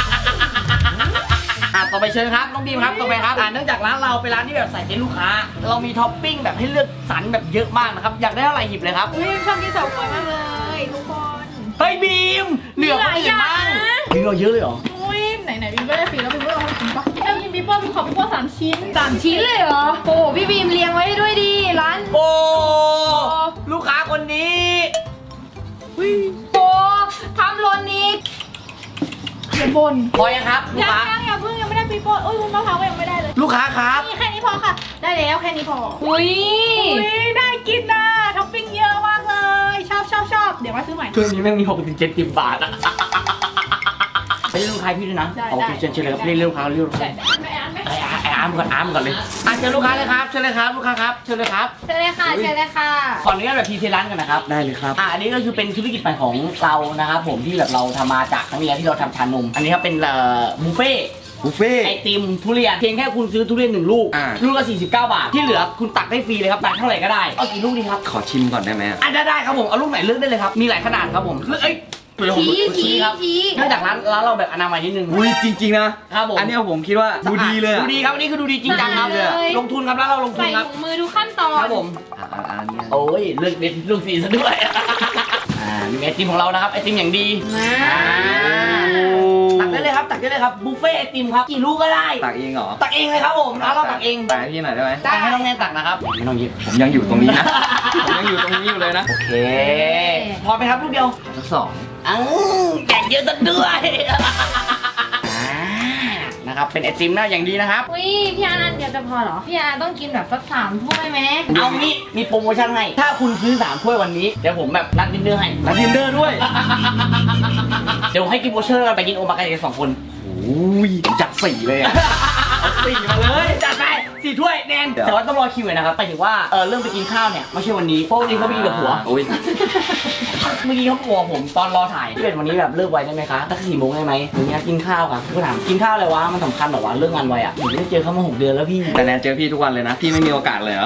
[SPEAKER 1] อ่ะต่อไปเชิญครับน้องบีมครับต่อไปครับอ่าเนื่องจากร้านเราเป็นร้านที่แบบใส่ใจลูกค้า เรามีท็อปปิ้งแบบให้เลือกสรรแบบเยอะมากนะครับอยากได้เท่าไหร่หยิบเลยครับ
[SPEAKER 5] อุ้ยชอบกินเฉาก๊วยมากเลยทุกคน
[SPEAKER 1] เฮ้ยบีมเหลือคนอื่นบ้างบีมเราเยอะเลยเหรอ
[SPEAKER 5] อุ้ยไหนไหนๆบิมก็ได้ฟรีแล้วบิมก็เอาให้กินปะเอากินบิมเปิ้ลบิมขอบิมเปิ้ลสามชิ้น
[SPEAKER 3] สามชิ้นเลยเหรอโอ้พี่บีมเลี้ยงไว้ให้ด้วยดีร้าน
[SPEAKER 1] โอ้ลูกค้าคนนี้
[SPEAKER 3] โอ้ทำโลนนี้
[SPEAKER 5] เดี๋ยวบ่น
[SPEAKER 1] พอยังครับลูก
[SPEAKER 5] ยัง
[SPEAKER 1] ค้า
[SPEAKER 5] ยังอย่าเพิ่งยังไม่ได้บิมเปิ้ลโอ้ยวุ้นมะพร้าวก็ยังไม่ได้เลย
[SPEAKER 1] ลูกค้าครับ
[SPEAKER 5] นี่แค่นี้พอค่ะ ได้แล้วแค่นี้พอ
[SPEAKER 3] อุ้ย
[SPEAKER 5] อุ้ยได้กินนะท็อปปิ้งเยอะมากเลย ชอบชอบชอบเดี๋ยวมาซื้อใหม่
[SPEAKER 1] ช่วงนี้แม่งมีหกถึงเจ็ดสิบบาทอะไปเรียกลูกค้าพี่ด้วยนะ
[SPEAKER 5] ได้
[SPEAKER 1] โอเค
[SPEAKER 5] ได้
[SPEAKER 1] เชิญเชิญเลยครับเรียกลูกค้าเรียกลูกค้า
[SPEAKER 5] ไม่อ่านไหม
[SPEAKER 1] ไอ้อาไอ้อาร์มก่อนอาร์มก่อนเลยอ่ะเชิญลูกค้าเลยครับเชิญเลยครับลูกค้าครับเชิญเลยครับ
[SPEAKER 3] เชิญเลยค่ะเชิญเลยค่ะ
[SPEAKER 1] ขออนุญาตแบบพีเทร้านกันนะครับได้เลยครับอ่ะอันนี้ก็คือเป็นธุรกิจใหม่ของเรานะครับผมที่แบบเราทำมาจากครั้งที่แล้วที่เราทำชานมอันนี้ครับเป็นเอ่อบุฟเฟ่ต์
[SPEAKER 4] บุฟเฟ่
[SPEAKER 1] ไอติมทุเรียนเพียงแค่คุณซื้อทุเรียนหนึ่งลูก
[SPEAKER 4] อ่า
[SPEAKER 1] ลูกละสี่สิบเก้าบาทที่เหลือคุณตักได้ฟรีเลยครับตักเท่าไหร่ก็ได้เอากี่ลูกดีครับ
[SPEAKER 4] ขอชิมก่อนได้ไหมอะ
[SPEAKER 1] อ่ะได้ได้ครับผมเอาลูกไหนเลือกได้เลยครับมีหลายขนาดครับผมเลือกเอ้ยเดี๋ยวผม
[SPEAKER 3] ชี้ชี้
[SPEAKER 1] ครับ
[SPEAKER 3] ชี้
[SPEAKER 1] เนื่องจากร้านร้านเราแบบอนามัยนิดนึง
[SPEAKER 4] อุ้ยจริงๆนะครับ
[SPEAKER 1] ผม
[SPEAKER 4] อันเนี้ยผมคิดว่าดูดีเลยอะ
[SPEAKER 1] ดูดีครับอันนี้คือดูดีจริงจังครับ
[SPEAKER 4] ดูดีเลยอะ
[SPEAKER 1] ลงทุนครับร้านเราลงทุ
[SPEAKER 3] ใส่
[SPEAKER 1] นครับ
[SPEAKER 3] ถุงมือทุกขั้นตอน
[SPEAKER 1] ครับผม
[SPEAKER 4] อ่าอ่าอันเนี้ย
[SPEAKER 1] โอ้ยเลือกเด็ดลูกสีซะด้วยอ่ามีไอติมของเรานะครับไอติมอย่างดี
[SPEAKER 3] มา
[SPEAKER 1] อ่าตักได้เลยครับตักได้เลยครับบุฟเฟ่ต์ไอติมครับกี่ลูกก็ได้
[SPEAKER 4] ตักเองเหรอ
[SPEAKER 1] ตักเองเลยครับผมร้านเราตักเอง
[SPEAKER 4] ตักให้พี่หน่อยได้ไหม
[SPEAKER 1] ตักให้น้องแนนตักนะครับไม่ต้องหยิบ
[SPEAKER 4] ผมยังอยู่ตรงนี้นะ ผมยังอยู่ตรงนี้อยู่เลยนะ
[SPEAKER 1] โอเคพอไหมครับลูกเดียว
[SPEAKER 4] ทั้งสอง
[SPEAKER 1] อ้าวแจกเยอะซะด้วยอ่านะครับเป็นไอติมหน้าอย่างดีนะครับ
[SPEAKER 3] อุ้ยพี่อาร์ตเดียวจะพอเหรอพี่อาร์ตต้องกินแบบสักสามถ้วยไหม
[SPEAKER 1] เอางี้มีโปรโมชั่นให้ ถ้าคุณซื้อสามถ้วยวันนี้เดี๋ยวผมแบบนัดดินเนอร์ให้
[SPEAKER 4] แล้วดินเนอร์ด้วย
[SPEAKER 1] เดี๋ยวให้กินโบเชอร์กันไปกินโอมากาเสะสองคน
[SPEAKER 4] โอ้ยจัดสี่เลยอะ
[SPEAKER 1] เอาสี่มาเลยจัดไปสี่ถ้วยแนน
[SPEAKER 4] เดี๋ยว
[SPEAKER 1] แต่ว่าต้องรอคิวหน่อยนะครับไปถึงว่าเออเริ่มไปกินข้าวเนี่ยไม่ใช่วันนี้เพราะวันนี้เขาไปกินกับผัว
[SPEAKER 4] โอ้ย
[SPEAKER 1] เมื่อกี้เขาบอกผมตอนรอถ่ายที่เป็นวันนี้แบบเลิกไวได้ไหมคะสักสี่โมงได้ไหมวันนี้กินข้าวค่ะก็ถามกินข้าวอะไรวะมันสำคัญเหรอวะเรื่องงานไวอ่ะผมไม่ได้เจอเขามาหกเดือนแล้วพี่
[SPEAKER 4] แต่แนนเจอพี่ทุกวันเลยนะ พี่ไม่มีโอกาสเลยเหรอ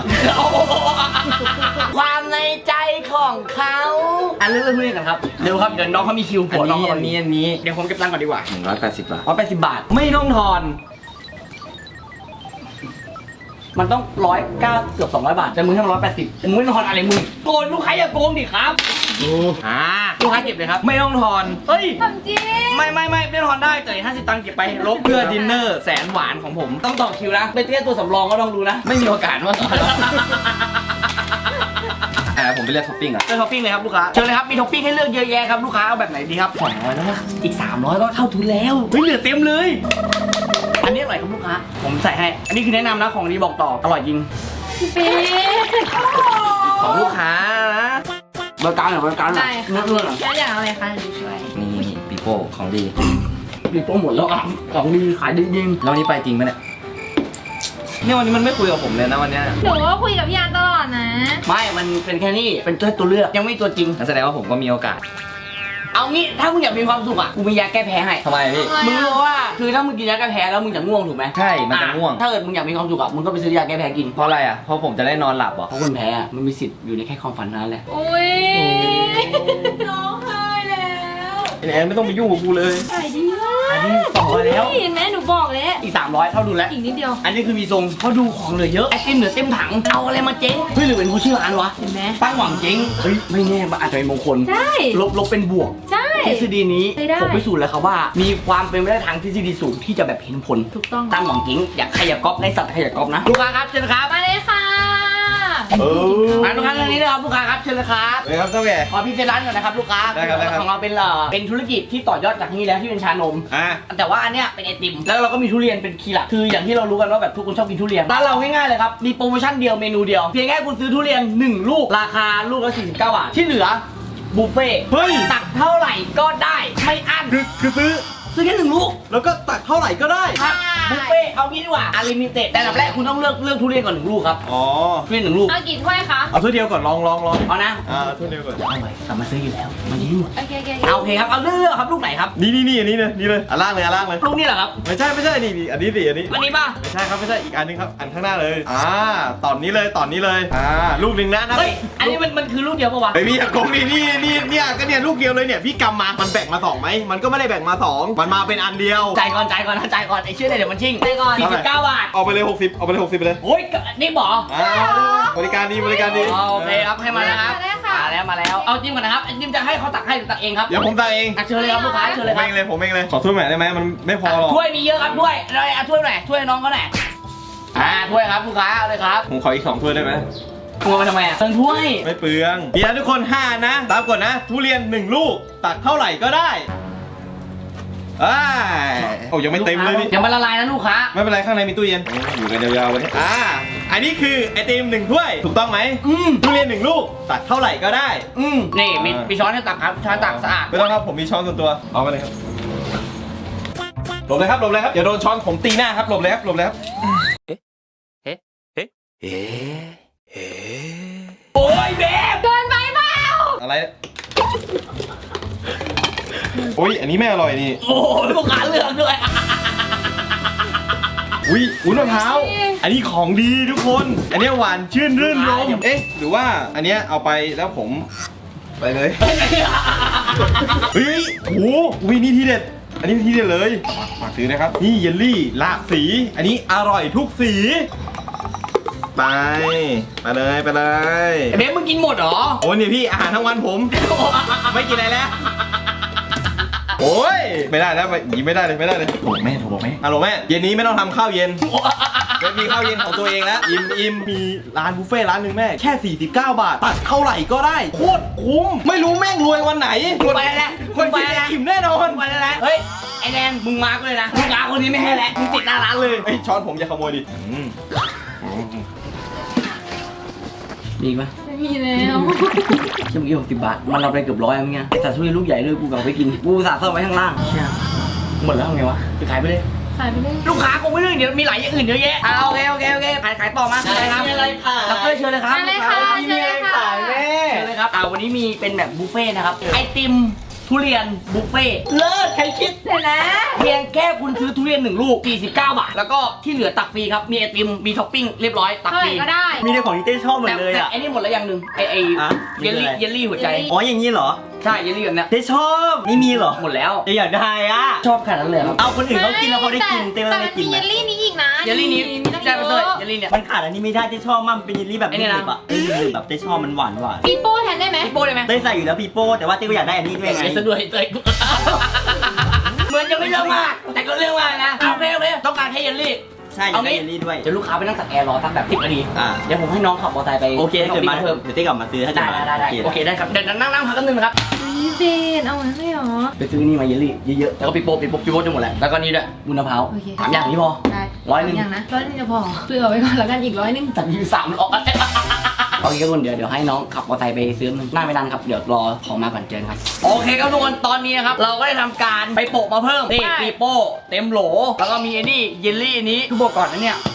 [SPEAKER 1] ความในใจของเขาอ่ะเรื่องเรื่องนี้กันครับเร็วครับเดี๋ยวน้องเขามีคิว
[SPEAKER 4] อั
[SPEAKER 1] ผัวน น้อง
[SPEAKER 4] นี้
[SPEAKER 1] เขา
[SPEAKER 4] อันนี้อันนี้
[SPEAKER 1] เดี๋ยวผมเก็บตังค์ก่อนดีกว่า
[SPEAKER 4] หนึ่งร้อยแปดสิบบาท
[SPEAKER 1] ร้อยแปดสิบบาทไม่ต้องทอน มันต้องร้อยเก้าเกือบสองร้อยบาทแต่มึงให้มันร้อยแปดสิบมึงไม่ต้องทอนอะไรมึงโกนลูกค้าอย่าโกงดิครับ
[SPEAKER 4] อ่า
[SPEAKER 1] ลูกค้าเก็บเลยครับ
[SPEAKER 4] ไม่ต้องทอน
[SPEAKER 1] เฮ้ย
[SPEAKER 3] ทำจริง
[SPEAKER 1] ไม่ไม่ไม่ไม่ต้องทอนได้จ่ายห้าสิบตังค์เก็บไปลบ
[SPEAKER 4] เพื่อดินเนอร์แสนหวานของผม
[SPEAKER 1] ต้องต่อคิวนะเป็นแค่ตัวสำรองก็ลองดูนะ
[SPEAKER 4] ไม่มีโอกาสว่าต่อแล้วอ่าผมไปเลือกท็อปปิ้งอ่ะ
[SPEAKER 1] เลือกท็อปปิ้งเลยครับลูกค้าเชิญเลยครับมีท็อปปิ้งให้เลือกเยอะแยะครับลูกค้าเอาแบบไหนดีครับสองร้อยแล้วอีกสามร้อยก็เท่าทุนแล้วเฮ้ยเหลือเต็มเลย อันนี้อร่อยครับลูกค้าผมใส่ให้อันนี้คือแนะนำนะของดีบอกต่ออร่อยจริง
[SPEAKER 3] เป๊ะ
[SPEAKER 4] ของลูกค้านะ
[SPEAKER 1] บริการหน่อยบริการหน่อย
[SPEAKER 3] ได้
[SPEAKER 1] เนื้
[SPEAKER 3] ค่ะ
[SPEAKER 1] อเนื้อหน่อย
[SPEAKER 3] แล้วอยากเอาอะไรคะหนูช่วย
[SPEAKER 4] นี่ปีโป้ของดี
[SPEAKER 1] มีโปรโมทแล้วอ่ะของดีขายดีจริง
[SPEAKER 4] แล้ววันนี้ไปจริงไหมเนี่ยเนี่ยวันนี้มันไม่คุยกับผมเลยนะวันเนี้ย
[SPEAKER 3] หนูก็คุยกับพี่อาร์ตตลอดนะ
[SPEAKER 1] ไม่มันเป็นแค่นี้เป็นแค่ตัวเลือกยังไม่ตัวจริง
[SPEAKER 4] นั่นแสดงว่าผมก็มีโอกาส
[SPEAKER 1] เอางี้ถ้ามึงอยากมีความสุขอ่ะกูมียาแก้แพ้ให้
[SPEAKER 4] ทำไมพี่
[SPEAKER 1] มึงรู้ว่าคือถ้ามึงกินยาแก้แพ้แล้วมึงจะง่วงถูกไหม
[SPEAKER 4] ใช่มันจะง่วง
[SPEAKER 1] อ่ถ้าเกิดมึงอยากมีความสุขอ่ะมึงก็ไปซื้อยาแก้แพ้กิน
[SPEAKER 4] เพราะอะไรอ่ะเพราะผมจะได้นอนหลับเหรอ
[SPEAKER 1] เพราะคนแพ้อะมันมีสิทธิ์อยู่ในแค่ความฝันนั้นแหละ
[SPEAKER 3] โอ้ยร้องไห้แล้ว
[SPEAKER 4] ไอ้แอนไม่ต้องไปยุ่งกับกูเลย
[SPEAKER 3] ขายดีมาก
[SPEAKER 1] อันนี้ต่อแล้ว
[SPEAKER 3] เห็นไหมหนูบอกแล้ว
[SPEAKER 1] อีกสามร้อยเท่าดูแล้ว
[SPEAKER 3] อีกนิดเดียว
[SPEAKER 1] อันนี้คือมีทรงเขาดูของเหลือเยอะไอติมเหลือเต็มถังเอาอะไรมาเจ๊งเฮ้ยหรือเป็นผู้ชื่อร้านวะ
[SPEAKER 3] เห็นไหม
[SPEAKER 1] ตั้งหวังเจ๊งเฮ้ยไม่แน่มันอาจจะเป็นมงคล
[SPEAKER 3] ใช่
[SPEAKER 1] ลบลบเป็นบวก
[SPEAKER 3] ใช่
[SPEAKER 1] ทฤษฎีนี้
[SPEAKER 3] ใช้ได้
[SPEAKER 1] ผมพิสูจน์แล้วครับว่า มีความเป็นไปได้ทางทฤษฎีสูงที่จะแบบเห็นผล
[SPEAKER 3] ถูกต้อง
[SPEAKER 1] ตั้งหวังเจ๊งอยากใครอยากก๊อปในสัตว์ใครอยากก๊อปนะลูกค้าครับเชิญครับ
[SPEAKER 3] มาเลยค่ะ
[SPEAKER 4] เออ
[SPEAKER 1] มาลูกค้าทางนี้นะครับลูกค้าครับเชิญเลยครับ
[SPEAKER 4] เลยครับเจ้าแม่
[SPEAKER 1] ขอพี่เซนร้านก่อนนะครับลูกค้า
[SPEAKER 4] ได้ครับได้ครับ
[SPEAKER 1] ของเราเป็นเอ่อเป็นธุรกิจที่ต่อยอดจากนี้แล้วที่เป็นชานม
[SPEAKER 4] อ่ะ
[SPEAKER 1] แต่ว่าอันเนี้ยเป็นไอติมแล้วเราก็มีทุเรียนเป็นคีย์หลักคืออย่างที่เรารู้กันว่าแบบทุกคนชอบกินทุเรียนร้านเราง่ายๆเลยครับมีโปรโมชั่นเดียวเมนูเดียวเพียงแค่คุณซื้อทุเรียนหนึ่งลูกราคาลูกละสี่สิบเก้าบาทที่เหลือบุฟเฟ่ต์
[SPEAKER 4] เฮ้ย
[SPEAKER 1] ตักเท่าไหร่ก็ได้ไม่อั้น
[SPEAKER 4] คือคือซื้อ
[SPEAKER 1] ซื้อแค่หนึ่งลูก
[SPEAKER 4] แล้วก็ตักเท่าไหร่ก็ได้
[SPEAKER 1] ครับบุฟเฟ่ต์เอางี้ดีกว่าอาลิมิเต็ดแต่ลำแรกคุณต้องเลือกเลือกทุเรียนก่อนหนึ่งลูกครับ
[SPEAKER 4] อ๋อ
[SPEAKER 1] ทุเรียนหนึ่งลูก
[SPEAKER 3] เอากี่ถ้วยคะ
[SPEAKER 4] เอาถ้วยเดียวก่อนลองลองลอง
[SPEAKER 1] เอานะ
[SPEAKER 4] อ่าถ้วยเดียวก่อน
[SPEAKER 1] เอาไปกลับมาซื้ออยู่แล้วมันนี้หมด
[SPEAKER 3] โอเคโอเค
[SPEAKER 1] เอาโอเคครับเอาเลือกครับลูกไหนครับ
[SPEAKER 4] นี่นี่นี่อันนี้เลยนี่เลยอันล่างเลยอันล่างเลย
[SPEAKER 1] ลูกนี้เหรอครับ
[SPEAKER 4] ไม่ใช่ไม่ใช่นี่นี่อันนี้สิอันนี้
[SPEAKER 1] อันนี้ป่ะ
[SPEAKER 4] ไม่ใช่ครับไม่ใช่อีกอันนึงครับอันข้างหน้าเลยอ่าตอนนี้เลยตอนนี้เลยอ่าลูกหนึ่งนะนะ
[SPEAKER 1] เฮ้ยอันนี้มันมันคือลูกเดียวปะวะ
[SPEAKER 4] ไอพี่อะกงนี่นี่นี่เนี่ยก็เนี่ยลูกเดียวเลยเนี่ยพี่กำมามันแบ่งมาสองไหมมันก็ไม่ได้แบ่งมาสองมันมาเป็นอันเดียว
[SPEAKER 1] จ่ายก่อนจ่ายก่อนนะจ่ายก่อนไอ้เชื่อเลยเดี๋ยวมันชิ่ง
[SPEAKER 3] ไปก่อน
[SPEAKER 1] สี่สิบเก้าบาท
[SPEAKER 4] เอาไปเลยหกสิบเอาไปเลยหกสิบไปเลย
[SPEAKER 1] โอ้ยนี่บอ
[SPEAKER 4] อ่าบริการดีบริการดี
[SPEAKER 1] อ๋อโอเคครับให้มานะครับ
[SPEAKER 3] ได้ค่ะ
[SPEAKER 1] มาแล้วมาแล้วเอาจิ้มก่อนนะครับไอ้จิ้มจะให้เขาตักให้หรือตักเองครับ
[SPEAKER 4] เดี๋ยวผมตักเอง
[SPEAKER 1] อ่ะเชิญเลยครับลูกค้าเชิญ
[SPEAKER 4] ผ
[SPEAKER 1] เลย
[SPEAKER 4] ม
[SPEAKER 1] ครั
[SPEAKER 4] เอบ งเลยผมเองเลยขอถ้วยใหม่ได้ไหมมันไม่พอหรอก
[SPEAKER 1] ถ้วยมีเยอะครับถ้วยอะไรอ่ะถ้วยหน่อยถ้วยน้องเขาหน่อยอ่าถ้วยครับลูกค้าเอาเลยครับ
[SPEAKER 4] ผมขออีกสองถ้วยได้ไหม
[SPEAKER 1] กลัวมาทำไมอ่ะเติมถ้วย
[SPEAKER 4] ไม่เปลืองมีนะทุกคนห้านะ ตามกฎนะ ทุเรียนหนึ่งลูก ตักเท่าไหร่ก็ได้อ้ายโอ้ยังไม่เต็มเลยนี่
[SPEAKER 1] เดี๋ยวมันละลายนะลูกค้า
[SPEAKER 4] ไม่เป็นไรข้างในมีตู้เย็นอยู่กันยาวๆวันนี้อ่าอันนี้คือไอติมหนึ่งถ้วยถูกต้องไหม
[SPEAKER 1] อืม
[SPEAKER 4] ทุเรียนหนึ่งลูก ตักเท่าไหร่ก็ได้
[SPEAKER 1] อืมนี่มี
[SPEAKER 4] อ่ามี
[SPEAKER 1] มีช้อนให้ตักครับช้อนตักสะอาด
[SPEAKER 4] ไม่ต้องครับผมมีช้อนส่วนตัวเอาไปเลยครับหลบเลยครับหลบเลยครับอย่าโดนช้อนผมตีหน้าครับหลบเลยครับหลบเลยครับ
[SPEAKER 1] โอ้ยเบบ
[SPEAKER 3] เกินไปเปล่า
[SPEAKER 4] อะไรโอ้ยอันนี้ไม่อร่อยนี่
[SPEAKER 1] โอ้ยลูกค้าเลือกด้วย
[SPEAKER 4] อุ้ยอุ้ยมะพร้าว อันนี้ของดีทุกคน อันนี้หวานชื่นรื่นรมเอ๊ะ หรือว่าอันเนี้ยเอาไปแล้วผมไปเลย เฮ้ยโอ้โหอุ้ยนี่ทีเด็ด อันนี้ทีเด็ดเลยฝากซื้อนะครับ นี่เยลลี่หลากสี อันนี้อร่อยทุกสี ไป ไปเลยไปเลย
[SPEAKER 1] เบบมึงกินหมดเหรอ
[SPEAKER 4] โอ้นี่พี่อาหารทั้งวันผม ไม่กินอะไรแล้ว โอ้ยไม่ได้แล้วอย่างนี้ไม่ได้เลยไม่ได้เลยโอ้แม่โทรบอกแม่ฮัลโหลแม่เย็นนี้ไม่ต้องทำข้าวเย็นไม่มีข้าวเย็นของตัวเองแล้วอิ่มอิ่มมีร้านบุฟเฟ่ต์ร้านหนึ่งแม่แค่สี่สิบเก้าบาทตัดเท่าไหร่ก็ได้โคตรคุ้มไม่รู้แม่งรวยวันไหน
[SPEAKER 1] ไปแล้ว
[SPEAKER 4] คนกินจะอิ่มแน่นอน
[SPEAKER 1] ไปแล้วนะเฮ้ยไอแดนมึงมาร์กเลยนะลูกค้าคนนี้ไม่ให้แล้วมึงติดหน้าร้านเลย
[SPEAKER 4] ไอ้ยช้อนผมอย่าขโมยดิอืม
[SPEAKER 1] ดีปะ
[SPEAKER 3] ไม่มีแล้ว
[SPEAKER 1] เชื่อเมื่อกี้หกสิบบาทมันเราไปเกือบร้อยแล้วเงี้ยแต่ทุเรียนลูกใหญ่ด้วยกูกลับไปกินกูสาซ่อมไว้ข้างล่างเชี่ยหมดแล้วทำไงวะไปขายไปเลย
[SPEAKER 3] ขายไปเลย
[SPEAKER 1] ลูกค้าคงไม่เรื่องเดี๋ยวมีหลายอย่างอื่นเยอะแยะอ่าโอเคโอเคโอเคขายขายต่อมาอะไรครับมีอะไรขายดรเชิญเลยครับ
[SPEAKER 3] อะไรคะเชิญเลยค่ะ
[SPEAKER 1] เชิญเลยครับอ่าวันนี้มีเป็นแบบบุฟเฟ่ต์นะครับไอติมทุเรียนบุฟเฟ่ต์เลิศใครคิด
[SPEAKER 3] เดี๋ยวนะ
[SPEAKER 1] เพียงแค่คุณซื้อทุเรียนหนึ่งลูกสี่สิบเก้าบาทแล้วก็ที่เหลือตักฟรีครับมีไอติมมีท็อปปิ้งเรียบร้อยตัก
[SPEAKER 3] เท่า
[SPEAKER 1] ฟ
[SPEAKER 3] ไหร่
[SPEAKER 1] รี
[SPEAKER 3] ก็ได้
[SPEAKER 6] มีแต่ของที่เต้ชอบหมด
[SPEAKER 1] แต่
[SPEAKER 6] เลย
[SPEAKER 1] แต่
[SPEAKER 6] อ่ะ
[SPEAKER 1] ไอ้นี่หมดแล้วอย่างหนึ่งไอไอ
[SPEAKER 6] อ่ะ
[SPEAKER 1] เยลลี่
[SPEAKER 6] มีอะไร
[SPEAKER 1] เยลลี่หัวใจ
[SPEAKER 6] อ๋ออย่างนี้เหรอ
[SPEAKER 1] ใช่เยลลี่แบบเนี้ย
[SPEAKER 6] เต้ชอบนี่มีเหรอ
[SPEAKER 1] หมดแล้ว
[SPEAKER 6] เต้อยากได้อ่ะ
[SPEAKER 1] ชอบขนาดนั้นเลยครับ
[SPEAKER 6] เอาคนอื่นเขากินแล้วเขาได้กินเต้ไม่
[SPEAKER 3] แต่
[SPEAKER 6] ได้
[SPEAKER 3] มัน
[SPEAKER 6] กิ
[SPEAKER 3] มี
[SPEAKER 6] น
[SPEAKER 3] เย
[SPEAKER 6] นะ
[SPEAKER 3] ลลี่นี้อีกนะ
[SPEAKER 1] เยลลี่นี้
[SPEAKER 3] มีตั้ง
[SPEAKER 1] ได้ไป
[SPEAKER 3] เย
[SPEAKER 1] เลย
[SPEAKER 3] อะ
[SPEAKER 1] เยลลี่เนี่ย
[SPEAKER 6] มันขาดอันนี้ไม่ได้เต้ชอบมากมันเป็นเยลลี่แบบ
[SPEAKER 1] ไอ้นี่นะ
[SPEAKER 6] หนึบๆอ่ะเอ้ยหนึบๆแบบเต้ชอบมันหวานหวาน
[SPEAKER 3] ปีโป้แทนได้ไหม
[SPEAKER 1] พี่โป้ได้ไหม
[SPEAKER 6] เต้ใส่อยู่แล้วปีโป้แต่ว่าเต้ก็อยากได้อันนี้ด้วยไง
[SPEAKER 1] เดี๋ยวซะด้วยเลยเหมือนจะไม่เรื่องมากแต่ก็เรื่องมากนะโอเคโอเคต้องการแค่เยลลี่
[SPEAKER 6] ใช่อยากได้เยลลี่ด้วย
[SPEAKER 1] เดี๋ยวลูกค้าไปนั่งตักแอร์รอสักแบบสิบนาที
[SPEAKER 6] อ่า
[SPEAKER 1] เดี๋ยวผมให้น้องขับมอเตอร์ไซค์ไป
[SPEAKER 6] โอเคถ้าเกิดมา
[SPEAKER 1] เพิ่ม
[SPEAKER 6] เดี๋ยวเต้กลับมาซื้อถ้าเกิ
[SPEAKER 1] ได้
[SPEAKER 6] ดมา
[SPEAKER 1] ได้ได้โอเคได้ครับเดี๋ยวนั่งนั่งพักกันหนึ่งนะครับ
[SPEAKER 3] นี่เบนเอางั้นเลยเหรอ
[SPEAKER 1] ไปซื้อนี่มาเยลลี่เยอะๆแล้วก็ปีโป้ปีโป้ปีโป้จะหมดแล้วแล้วก็นี่ด้วยบุญมะพร้าว
[SPEAKER 3] โอเค
[SPEAKER 1] สามอย่างนี้พอ
[SPEAKER 3] ได้
[SPEAKER 1] ร้อยหนึ่ง
[SPEAKER 3] อย่างนะร้อยหนึงจะพอเผื่อไว้ก่อนแล้วกันอีกร้อยหนึง
[SPEAKER 1] จัดอยู่สามร้อยโอเคครับทุกคนเดี๋ยวเดี๋ยวให้น้องขับมอเตอร์ไซค์ไปซื้อมันหน้าไม่นานครับเดี๋ยวรอของมาก่อนเจอกันครับโอเคครับทุกคนตอนนี้นะครับเราก็ได้ทำการไปโปะมาเพิ่มนี่ปีโป้เต็มโหลแล้วก็มีไอ้นี่เยลลี่อันนี้คือบอกก่อนนะเนี่ย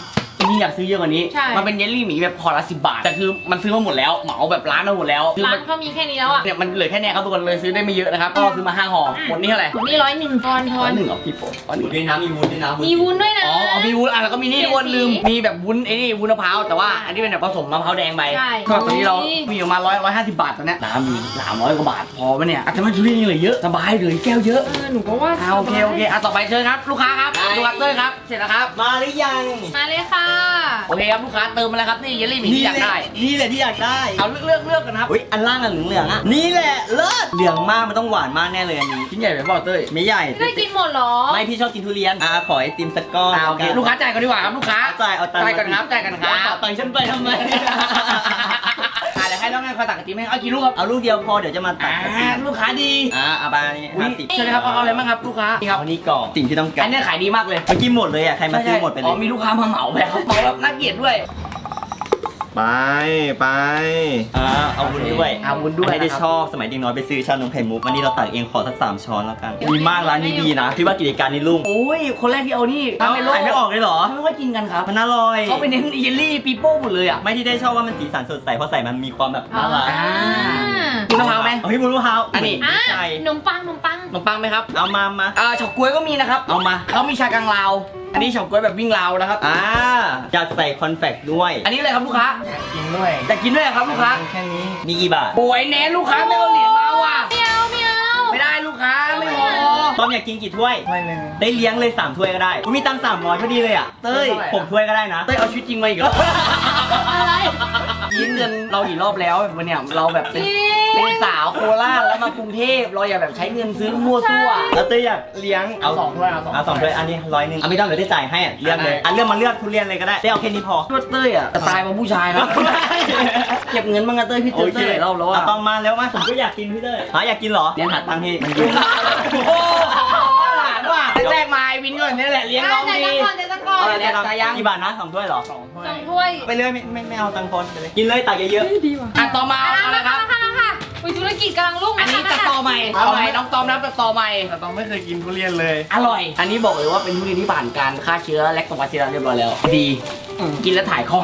[SPEAKER 1] ริงๆอยากซื้อเยอะกว่านี้
[SPEAKER 3] ใช่
[SPEAKER 1] มันเป็นเยลลี่หมีแบบพอละสิบบาทแต่คือมันซื้อมาหมดแล้วเหมาแบบร้านมาหมดแล้วคือ
[SPEAKER 3] ร้า
[SPEAKER 1] มัน น
[SPEAKER 3] เขามีแค่นี้แล้วอ่ะ
[SPEAKER 1] เนี่ยมันเหลือแค่เนี้ยครับทุกคนเลยซื้อได้ไม่เยอะนะครับก็ซื้อมาห้าห่อหมดนี่เท่าไหร่
[SPEAKER 3] หมดนี่ร้อยหนึ่งทอนท
[SPEAKER 1] ร้
[SPEAKER 3] อ
[SPEAKER 1] อน ยหนึ่งเหรอพี่โป๊ะร้อยห
[SPEAKER 6] ห
[SPEAKER 1] นึ่
[SPEAKER 6] มู
[SPEAKER 1] ง
[SPEAKER 6] ด้วยนะมีวุ้นด้วยนะ
[SPEAKER 3] มีวุ้นด้วยนะ
[SPEAKER 1] อ๋ออ๋อมีวุ้นอ่ะแล้วก็มีนี่
[SPEAKER 3] เปลี่
[SPEAKER 1] ทุ
[SPEAKER 3] ย
[SPEAKER 1] ก
[SPEAKER 3] น
[SPEAKER 1] คนลืม
[SPEAKER 3] สี
[SPEAKER 1] มีแบบวุ้นไอ้นี่วุ้นมะพร้าวแต่ว่าอันนี้เป็นแบบผสมมะพร้าวแดงไป
[SPEAKER 3] ใช่
[SPEAKER 1] ก็ตอนนี้เรา
[SPEAKER 3] โอ้ย
[SPEAKER 1] มีประมาณร้อยร้อยห้าสิบบาทตอนเนี้ยน้ำมีสามร้อยกว่าบาทพอปะเนี่ยอาจจะไม่ทุเรียนยังเหลือเยอะสบายเหลือแก้วเยอะ
[SPEAKER 3] เออหนูก็ว่า
[SPEAKER 1] อ่าโอเคโอเคอ่ะต่อไปเชิญครับลูกค้าครับลูกค้าเต้ยครับเสร็จแล้วครับ
[SPEAKER 6] มาหรือยัง
[SPEAKER 3] มาเลยค่ะ
[SPEAKER 1] โอเคครับลูกค้าเติมมาแล้วครับนี่เยลลี่หมีที่อยากได้
[SPEAKER 6] นี่แหละที่อยากได้
[SPEAKER 1] เอาเลือกเลือกเลือกกันครับ
[SPEAKER 6] อุ้ยอันล่างอันเหลืองๆอ่ะนี่แหละเลิศเหลืองมากมันต้องหวานมากแน่เลยอันนี้
[SPEAKER 1] ชิ้นใหญ่ไปเปล่าเต้ย
[SPEAKER 6] ไม่ใหญ่
[SPEAKER 3] ไม่ได้กินหมดเหรอ
[SPEAKER 6] ไม่พี่ชอบกินทุเรียนอ่ะขอไอติมสักก้อน
[SPEAKER 1] อ่าโอเคลูกค้าจ่ายก่อนดีกว่าครับลูกค้า
[SPEAKER 6] จ่ายเอาตังค์
[SPEAKER 1] จ่ายก่อนครับจ่ายก่อนครับ
[SPEAKER 6] ตังค์ฉันไปทำไม
[SPEAKER 1] อ่าเดี๋ยวให้น้องแม่คอยตักกะทิให้เอากี่ลูกครับ
[SPEAKER 6] เอาลูกเดียวพอเดี๋ยวจะมาตั
[SPEAKER 1] อ่
[SPEAKER 6] ดกระถิ่
[SPEAKER 1] าน ลูกค้าดี
[SPEAKER 6] อ่าเอาไปนี่
[SPEAKER 1] อุ๊ย
[SPEAKER 6] ห้าสิบ
[SPEAKER 1] เชิญเลยครับเอาอะไรบ้างครับลูกค้านี่ครับ
[SPEAKER 6] เอานี่ก่อนสิ่งที่ต้องการ
[SPEAKER 1] อันเนี้ยขายดีมากเลย
[SPEAKER 6] เมื่อกี้หมดเลยอ่ะใครมาซื้อหมดไปเล
[SPEAKER 1] อ๋อย มีลูกค้ามาเหมาแบบเหมาแบบน่าเกลียดด้วย
[SPEAKER 4] ไปไป
[SPEAKER 6] อ่าเอาวุ้นด้วย
[SPEAKER 1] เอาวุ้นด้วย
[SPEAKER 6] ไม่ได้
[SPEAKER 1] นะครับ
[SPEAKER 6] ชอบสมัยเด็กน้อยไปซื้อชานมไข่มุกวันนี้เราตักเองขอสักสามช้อนแล้วกันดีมากร้านนี้ดีนะพี่ว่ากิจการนี้รุ่ง
[SPEAKER 1] โอ้ยคนแรกที่เอานี่
[SPEAKER 6] เอา
[SPEAKER 1] ทำไม่โล
[SPEAKER 6] ขายไม่ออกเลยเหรอ
[SPEAKER 1] เขาไม่ค่อยกินกันครับ
[SPEAKER 6] มันอร่อย
[SPEAKER 1] เขาไปเน้นเยลลี่ปีโป้หมดเลยอ่ะ
[SPEAKER 6] ไม่ที่ได้ชอบว่ามันสีสันสดใสเพราะใส่มันมีความแบบน่ารัก
[SPEAKER 1] อ่า คุณมะพร้าวไหม
[SPEAKER 6] เฮ้ยบุญมะพร้าว
[SPEAKER 1] อันนี้
[SPEAKER 3] อ่ะ
[SPEAKER 6] ใช่
[SPEAKER 3] ขนมปังขนมปัง
[SPEAKER 1] ขนมปังไหมครับ
[SPEAKER 6] เอามามา
[SPEAKER 1] อ่าเฉาก๊วยก็มีนะครับ
[SPEAKER 6] เอามา
[SPEAKER 1] เขามีชากังลาว อันนี้เฉาก๊วยแบบวิ่งราวนะครับ
[SPEAKER 6] อ่าอยากใส่คอนแฟคด้วย
[SPEAKER 1] อันนี้อะไรครับลูกค้า
[SPEAKER 4] กินด้วย
[SPEAKER 1] จะกินด้วยเหรอครับลูกค้า
[SPEAKER 6] แค่นี้มีกี่บาท
[SPEAKER 1] ป่วยแน่ลูกค้าไม่เอาเหรียญมาว่ะ
[SPEAKER 3] ไม่เอาไม่เอา
[SPEAKER 1] ไม่ได้ลูกค้าไม่พอ
[SPEAKER 6] ต้อมอยากกินกี่ถ้วย
[SPEAKER 4] ไม่หนึ่ง
[SPEAKER 6] ได้เลี้ยงเลยสามถ้วยก็ได้ผมมีตังค์สามร้อยพอดีเลยอ่ะเต้ย
[SPEAKER 1] เท่าไหร่อะ
[SPEAKER 6] ผมถ้วยก็ได้นะ
[SPEAKER 1] เต้ยเอาชีวิตจริงมาอีกแล้ว
[SPEAKER 3] อะไร
[SPEAKER 1] ยืมเงินเรากี่รอบแล้ววันเนี้ยเราแบบเป็นเป็นสาวโคราชแล้วมากรุงเทพเราอย่าแบบใช้เงินซื้อมั่วซั่ว
[SPEAKER 6] แล้วเต้ยอยากเลี้ยง
[SPEAKER 1] เอาสองถ้วยเอาสอง
[SPEAKER 6] เอาสองถ้วยอันนี้ร้อยหนึ่งอ่ะไม่ต้องเดี๋ยวได้จ่ายให้อ่ะเลือกเลยอ่ะเลือกมาเลือกทุเรียนเลยก็ได้ได้เอาแค่นี้พอ
[SPEAKER 1] ตัวเต้ยอ่ะสไตล์มาผู้ชายนะเก็บเงินบ้างนะเต้ยพี่เจอเต้ยหลายรอบแล้วอ่ะ
[SPEAKER 6] ะต้องมาแล้วมาผมก็อยากกินพี่เต้ยหาอยากกินเหรอเลี้ยงหาตังค์ให้มันยุ่ง
[SPEAKER 1] โอ้โหหลานว่ะแรกๆมาไอ้วินก่อนนี่แหละเลี้ยงน้อง
[SPEAKER 3] ใจ
[SPEAKER 1] ดี
[SPEAKER 3] ตะกอนใจตะกอน
[SPEAKER 1] เอาเลย จ่ายยัง
[SPEAKER 6] กี่บาทนะสองถ้วยเหรอ
[SPEAKER 3] สองถ้วย
[SPEAKER 6] ไปเลยไม่ไม่ไม่เอาตังค์พอนไปเลยกินเลยตักเยอะ
[SPEAKER 1] อ่ะต่อมา
[SPEAKER 3] อ่ะ
[SPEAKER 1] เอา
[SPEAKER 3] มา
[SPEAKER 1] ละครับ
[SPEAKER 3] ค่ะมาค่ะอุ้ยธุรกิจกำลังรุ่ง
[SPEAKER 1] อันนี้
[SPEAKER 3] มา
[SPEAKER 1] ตะ
[SPEAKER 3] ค่ะ
[SPEAKER 1] ตอใหม่เอาใหม่น้องตอมนับตะตอใหม่
[SPEAKER 4] แต่ต้องไม่เคยกินทุเรียนเลย
[SPEAKER 1] อร่อย อันนี้บอกเลยว่าเป็นทุเรียนที่ผ่านการฆ่าเชื้อแลคโตบาซิลลัสเรียบร้อยแล้ว ดีกินแล้วถ่ายคล่อง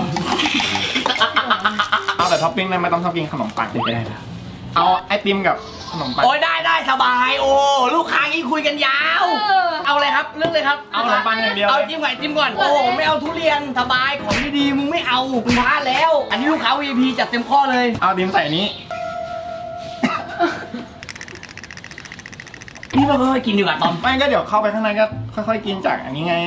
[SPEAKER 4] เอาแต่ท็อปปิ้งได้ไม่ต้องท็อปปิ้งขนมปังก็ได้นะเอาไอติมกับขนมปัง
[SPEAKER 1] โอ้ยได้ได้สบายโอ้ลูกค้างี้คุยกันยาว
[SPEAKER 3] เออ
[SPEAKER 1] เอาเลยครับเรื่องเลยครับ
[SPEAKER 4] เอาขนมปังอย่างเดียว
[SPEAKER 1] เอาจิ้มก่อนจิ้มก่อนโอ้ไม่เอาทุเรียนสบายของดีๆมึงไม่เอามึงพลาดแล้ว อันนี้ลูกค้า วี ไอ พี จัดเต็มข้อเลย
[SPEAKER 4] เอาดิมใส่นี้
[SPEAKER 1] พี่ว่าค่อยๆกินดีกว่าตอม
[SPEAKER 4] ไม่ก็เดี๋ยวเข้าไปข้างในก็ค่อยๆกินจากอันนี้ไง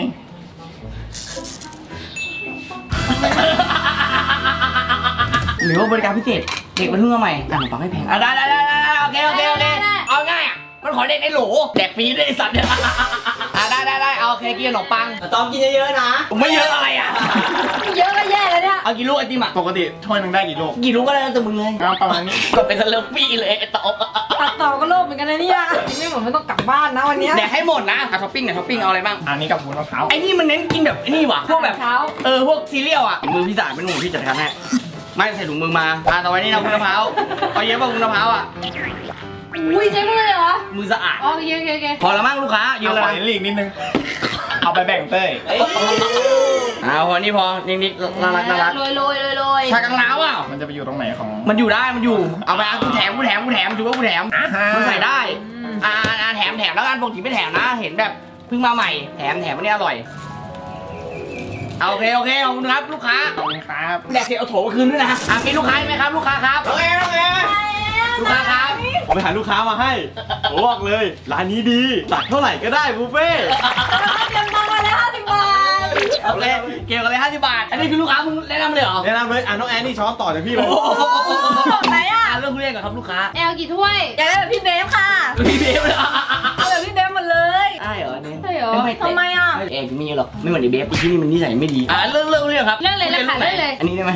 [SPEAKER 1] หรือว่าบริการพิเศษเด็กมันเพิ่งมาใหม่อ่ะขนมปังไม่แพงอ่ะได้ได้ได้ได้โอเคโอเคโอเคเอาง่ายอ่ะมันขอเด็กในโหลแดกฟรีด้วยไอ้สัตว์เนี่ยอ่ะได้ได้ได้เอาโอเคกินขนมปัง
[SPEAKER 6] ๆต้องกินเยอะๆนะ
[SPEAKER 1] ไม่เยอะอะไรอ่ะ
[SPEAKER 3] เยอะก็แย่แล้วเนี่ย
[SPEAKER 1] เอากี่ลูกไอติมอ่ะ
[SPEAKER 4] ปกติถ้วยหนึงได้กี่ลูก
[SPEAKER 1] กี่ลูกก็ได้แล้วแต่มึงเลย
[SPEAKER 4] เอาประมาณนี้
[SPEAKER 1] ก็เป็นสเลอปี้เลยไอ้ตอบ
[SPEAKER 3] ตัดต่อก็โลภเหมือนกันนะเนี่ยกินไม่หมดไม่ต้องกลับบ้านนะวันเนี้ย
[SPEAKER 1] แดกให้หมดนะอ่ะท็อปปิ้งเนี่ยท็อปปิ้งเอาอะไรบ้าง
[SPEAKER 4] อันนี้กับวุ้นมะพร้าว
[SPEAKER 1] ไอ้นี่มันเน้นกินแบบไอ้นี่ว่ะพวกแบบ
[SPEAKER 3] เช้า
[SPEAKER 1] เออพวกซีเรียลอ่ะมือพี่สายเป็นหนูพี่จัดการให้ไม่ใส่ถุงมือมาอ่ะต่อไปนี่นะวุ้นมะพร้าวเอาเยอะป่ะวุ้นมะพร้าวอ่ะ
[SPEAKER 3] อุ้ยใช้มือเลยเหรอ
[SPEAKER 1] มือสะอาด
[SPEAKER 3] อ๋อโอเคโอเคโอเค
[SPEAKER 1] พอแล้วมั้งลูกค้าเย
[SPEAKER 4] เอา
[SPEAKER 1] อะ
[SPEAKER 4] ข
[SPEAKER 1] เล
[SPEAKER 4] อย ลีกนิดนึง เอาไปแบ่งเต้ย
[SPEAKER 1] เอาพอนี่พอนิดๆน่ารักน่ารัก
[SPEAKER 3] โรยโรยโรยโรย
[SPEAKER 1] ชากังลาวอ่ะ
[SPEAKER 4] มันจะไปอยู่ตรงไหนของ
[SPEAKER 1] มันอยู่ได้มันอยู่เอาไปอ่ะกูแถมกูแถมกูแถมถือว่ากูแถม
[SPEAKER 4] อ่าฮะ
[SPEAKER 1] มันใส่ได้อ่าอ่าแถมแถมแล้วกันปกติไม่แถมนะเห็นแบบเพิ่งมาใหม่แถมแถมอันนี้อร่อยเอาโอเคโอเคขอบคุณครับลูกค้า
[SPEAKER 4] ขอบคุณครับ
[SPEAKER 1] แดกเสร็จเอาโถมาคืนด้วยนะอ่ะมีลูกค้าไหมครับลูกค้าครับโอเคโอเคลูกค้าครับ
[SPEAKER 4] ผมไปหาลูกค้ามาให้ผมบอกเลยร้านนี้ดีตักเท่าไหร่ก็ได้บุฟเฟ่ต์
[SPEAKER 3] เตรียมตังค์มาแล้วห้าสิบบาท
[SPEAKER 1] โอเคเกี่ยวกันเลยห้าสิบบาทอันนี้คือลูกค้ามึงแนะนำเลยเหรอ
[SPEAKER 4] แนะนำเลยอ่ะน้องแอนนี่ช้อนต่อจากพี่เลย
[SPEAKER 1] โอ้โห
[SPEAKER 3] ไหนอ่ะ
[SPEAKER 1] อ่ะเรื่องทุเรียนก่อนครับลูกค้า
[SPEAKER 3] แอลกี่ถ้วยอยากได้แบบพี่เบฟค่ะ
[SPEAKER 1] พี่เบฟเลยเหรอ
[SPEAKER 3] เอาแบบพี่เบฟหมดเลย
[SPEAKER 1] ได้เหรอเนี่ย
[SPEAKER 3] ใช่เหรอ
[SPEAKER 1] ไม่
[SPEAKER 3] ทำไมอ่ะ
[SPEAKER 1] เอกมีหรอกไม่เหมือนไอ้เบฟไอ้ที่นี่มันนิสัยไม่ดีอ่ะเรื่องเรื่องเรื่องครับ
[SPEAKER 3] เรื่องเลยเลยค่ะเรื่องเลย
[SPEAKER 1] อันนี้ได้ไหม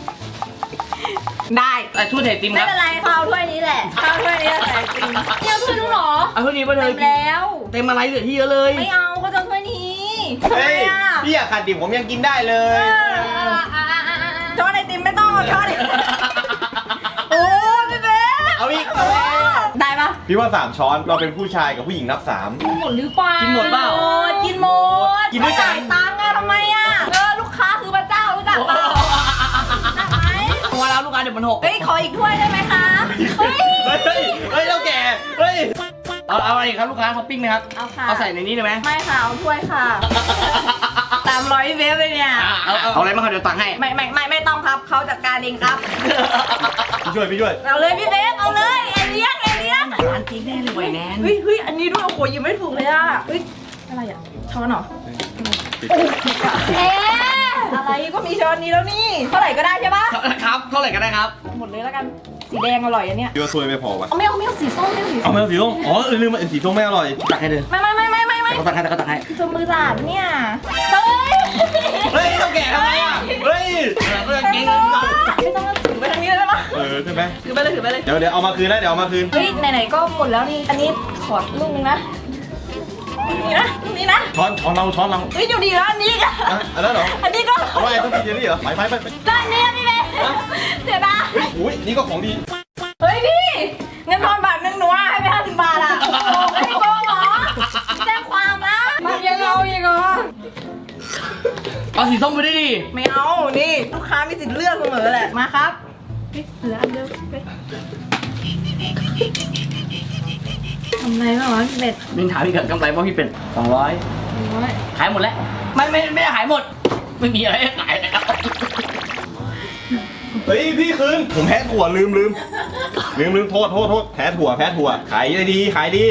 [SPEAKER 3] ได้
[SPEAKER 1] แต่ช่วยเทติมค
[SPEAKER 7] ไม่
[SPEAKER 1] รับ
[SPEAKER 7] เป็นไรข้าวถ้วยนี้แหละข้าวถ้วยนี้แหละแต่จริง
[SPEAKER 3] เนี่ยถ้วยนู้นเหรอ
[SPEAKER 1] เอาช่วยนี้มาเล
[SPEAKER 7] เต็
[SPEAKER 1] ย
[SPEAKER 7] มแล้ว
[SPEAKER 1] เต็มอะไรเหลือที่เยอะเลย
[SPEAKER 7] ไม่เอาเขาจะถ้วยนี้ทำไม
[SPEAKER 4] เฮ้ย
[SPEAKER 7] อ่ะ
[SPEAKER 4] พี่อยากขาดดิบผมยังกินได้เลย
[SPEAKER 7] ช้อนไอติมไม่ต้องเอาช้อนไอติมโอ้พี่เบ๊
[SPEAKER 4] เอาอีก
[SPEAKER 7] ได้ปะ
[SPEAKER 4] พี่ว่าสามช้อนเราเป็นผู้ชายกับผู้หญิงนับสาม
[SPEAKER 3] หมดหรือเปล่า
[SPEAKER 1] กินหมดเปล่า
[SPEAKER 7] โอ้กินหมด
[SPEAKER 4] กินด้วยกัน
[SPEAKER 7] จ่ายตังค์อะทำไมอะเออลูกค้าคือพระเจ้าหนักไหม
[SPEAKER 1] ตัวแล้วลูกค้าเดี๋ยวมันหก
[SPEAKER 7] เฮ้ยขออีกถ้วยได้ไหมคะเฮ้ย
[SPEAKER 4] เฮ้ย เฮ้ยเท่าแก่ เฮ้ย
[SPEAKER 1] เอาเอาอะไรอีกครับลูกค้าท็อปปิ้งไหมครับ
[SPEAKER 7] เอาค่ะ
[SPEAKER 1] เอาใส่ในนี้ได้ไหม
[SPEAKER 7] ไม่ค่ะเอาถ้วยค่ะตามร้อยเวฟเลยเนี่ย
[SPEAKER 1] อ่าเอาเอาเอาอะไรมาครับเดี๋ยวตังค์ให้
[SPEAKER 7] ไม่ไม่ไม่ไม่ต้องครับเขาจัดการเองครับ
[SPEAKER 4] พี่ช่วย พี่ช่วย
[SPEAKER 7] เอาเลยพี่เบฟเอาเลยเอเลียนเอเลียน
[SPEAKER 1] ร้านจริงแน่เลยไวแนน
[SPEAKER 7] เฮ้ยเฮ้ยอันนี้ด้วยโอ้โหยังไม่ถูกเลยอ่ะเฮ้ยอะไรอ่ะช้อนเหรอเอ๊ะอะไรก็มีช้อนนี้แล้วนี่เท่าไหร่ก็ได้ใช่ปะ
[SPEAKER 1] ครับเท่าไหร่ก็ได้ครับ
[SPEAKER 7] หมดเลยแล้วกันสีแดงอร่อยอันเนี้ย
[SPEAKER 4] พี่ว่าถ้วยไม่พอวะ
[SPEAKER 7] เอาไม่เอาไม่เอาสีส้มไม่เอาสีส้
[SPEAKER 4] เอา
[SPEAKER 7] ม
[SPEAKER 4] ไม่เอาสีส้มอ๋อเออลืมไปสีส้มไม่อร่อย
[SPEAKER 1] ตักให้เลย
[SPEAKER 7] ไม่ไม่ไม่ไม่ไม่ไม่
[SPEAKER 1] เขาตักให้เขาตักให้
[SPEAKER 7] ชมมือสะอาดเนี่ยเฮ้ย
[SPEAKER 4] เฮ้ยเท่าแก่ทำไมอ่ะ เฮ้ย
[SPEAKER 1] เรื่องจริง
[SPEAKER 7] ไม่ต้องถือไปทางนี้เลยได้ปะ
[SPEAKER 4] เออใช่ไหม
[SPEAKER 7] ถือไปเลยถือไปเลย
[SPEAKER 4] เดี๋ยวเดี๋ยวเอามาคืนนะเดี๋ยวเอามาคืน
[SPEAKER 7] เฮ้ยไหนๆก็หมดแล้วนี่อันนี้ขอลูกนึงนะนี่นะนี่นะ
[SPEAKER 4] ช้อนช้อนเราช้อนเรา
[SPEAKER 7] เฮ้ยอยู่ดีแล้วอันนี้ก็
[SPEAKER 4] อ่ะอันนั้นเหรอ
[SPEAKER 7] อันนี้ก็
[SPEAKER 4] เอาไว้ต้องมีเจลลี่เหรอไปไปไปไป
[SPEAKER 7] ด้านนี้พี่เบเสียดาย
[SPEAKER 4] เฮ้ยอุ้ยนี่ก็ของดี
[SPEAKER 7] เฮ้ยพี่เงินทอนบาทหนึ่งหนูอะให้ไปห้าสิบบาทอะโอ้โหไม่ได้โกงเหรอแจ้งความนะมายังเอาอีกเหรอ
[SPEAKER 1] เอาสีส้มไปได้ดิ
[SPEAKER 7] ไม่เอานี่ลูกค้ามีสิทธิ์เลือกเสมอแหละมาครับพี่เหลืออันเดียวไปทำไรบ้างวะพี่เป็ด
[SPEAKER 1] มินถามพี่เกิดกำไรว่าพี่เป็นสองร้อย
[SPEAKER 7] โอ้ย
[SPEAKER 1] ขายหมดแล้วไม่ไม่ไม่ได้ขายหมด ไม่มีอะไรให้ขายแล้ว
[SPEAKER 4] เฮ้ยพี่คืนผมแพ้ถั่วลืมลืมลืมลืมโทษโทษโทษแพ้ถั่วแพ้ถั่วขายได้ดีขายดี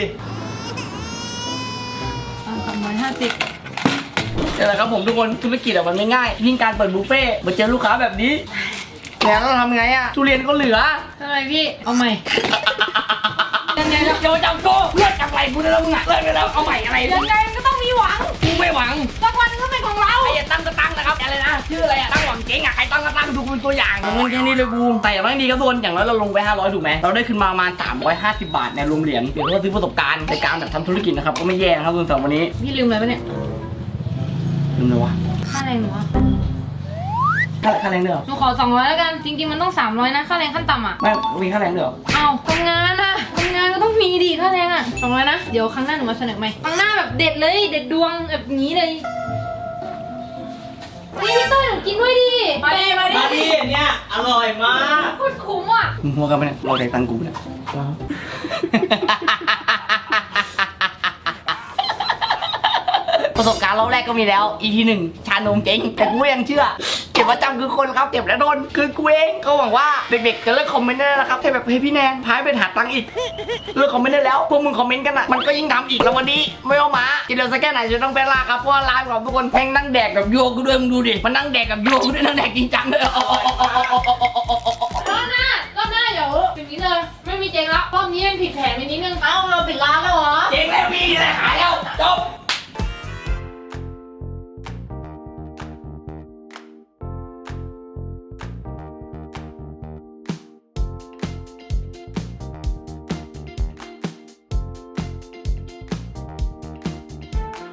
[SPEAKER 7] สามร้อยห้าสิบ
[SPEAKER 1] นี่แหละครับผมทุกคนธุรกิจอะมันไม่ง่ายยิ่งการเปิดบุฟเฟ่ต์มาเจอลูกค้าแบบนี้แล้วเราทำไงอะทุเรียนก็เหลือ
[SPEAKER 3] ทำไมพี่ เอาใหม่
[SPEAKER 1] ยังไงครับโจจับโกเลิกจับไหลกูได้แล้วมึงอะเลิกได้แล้วเอาใหม่อะไร
[SPEAKER 7] ยังไงก็ต้องมีหวัง
[SPEAKER 1] กูไม่หวัง
[SPEAKER 7] สักวันนึงก็เป็นของเรา
[SPEAKER 1] ไอ้ตั้งก็ตั้งนะครับอะไรนะชื่ออะไรอะตั้งหวังเจ๊งอะใครตั้งก็ตั้งดูเป็นตัวอย่างเงินแค่นี้เลยกูแต่อย่างน้อยดีครับทุกคนอย่างน้อยเราลงไปห้าร้อยถูกไหมเราได้ขึ้นมาประมาณสามร้อยห้าสิบบาทในรวมเหรียญเดี๋ยวเราซื้อประสบการณ์ในการแบบทำธุรกิจนะครับก็ไม่แย่นะครับทุกคนสำหรับวันนี้
[SPEAKER 3] พี่ลืมอะไรปะเนี่ย
[SPEAKER 1] ลืมเลยวะ
[SPEAKER 3] ค่าแรงหนูอะ
[SPEAKER 1] ค่าค่าแรงเดือ
[SPEAKER 3] หนูขอสองร้อยแล้วกัน จริงๆมันต้องสามร้อยนะ ค่าแรงขั้นต่ำอ่ะ
[SPEAKER 1] ไม่มีค่าแรงเดือ
[SPEAKER 3] เอาทำงานอะทำงานก็ต้องมีดีค่าแรงอะสองร้อยนะ เดี๋ยวครั้งหน้าหนูมาเสนอใหม่ครั้งหน้าแบบเด็ดเลย เด็ดดวงแบบนี้เลยนี่พี่ต้อยหนูกินด้วยดิ
[SPEAKER 7] มาดิมาดิ
[SPEAKER 6] มาดีเนี่ยอร่อยมาก
[SPEAKER 3] โคตรคุ้มอ่ะ
[SPEAKER 1] มึงหัวกันไปเนี่ยเราได้ตังค์กูเนี่ย ประสบการณ์เราแรกก็มีแล้ว อี พี หนึ่งชานมเจ๊งแต่กูยังเชื่อ เก็บประจำคือคนครับเก็บแล้วโดนคือกูเองก็หวังว่าเด็กๆจะเลิกคอมเมนต์ได้แล้วนะครับให้แบบเฮ้ยพี่แนนพายไปหาตังค์อีกเลิกคอมเมนต์ได้แล้วพวกมึงคอมเมนต์กันอ่ะมันก็ยิ่งทำอีกแล้ววันนี้ไม่เอามาจะเดินสักแค่ไหนจะต้องไปลาครับเพราะว่าไลฟ์ของทุกคนแม่งนั่งแดกกับโยกูด้วยมึงดูดิมันนั่งแดกกับโยกูด้วยนั่งแดกจริงจังเลย
[SPEAKER 3] รอบหน้ารอบหน้าเดี๋ยวแบบนี้เลย ไม่มีเจ๊งแล้วรอบนี้เป็นผิดแผ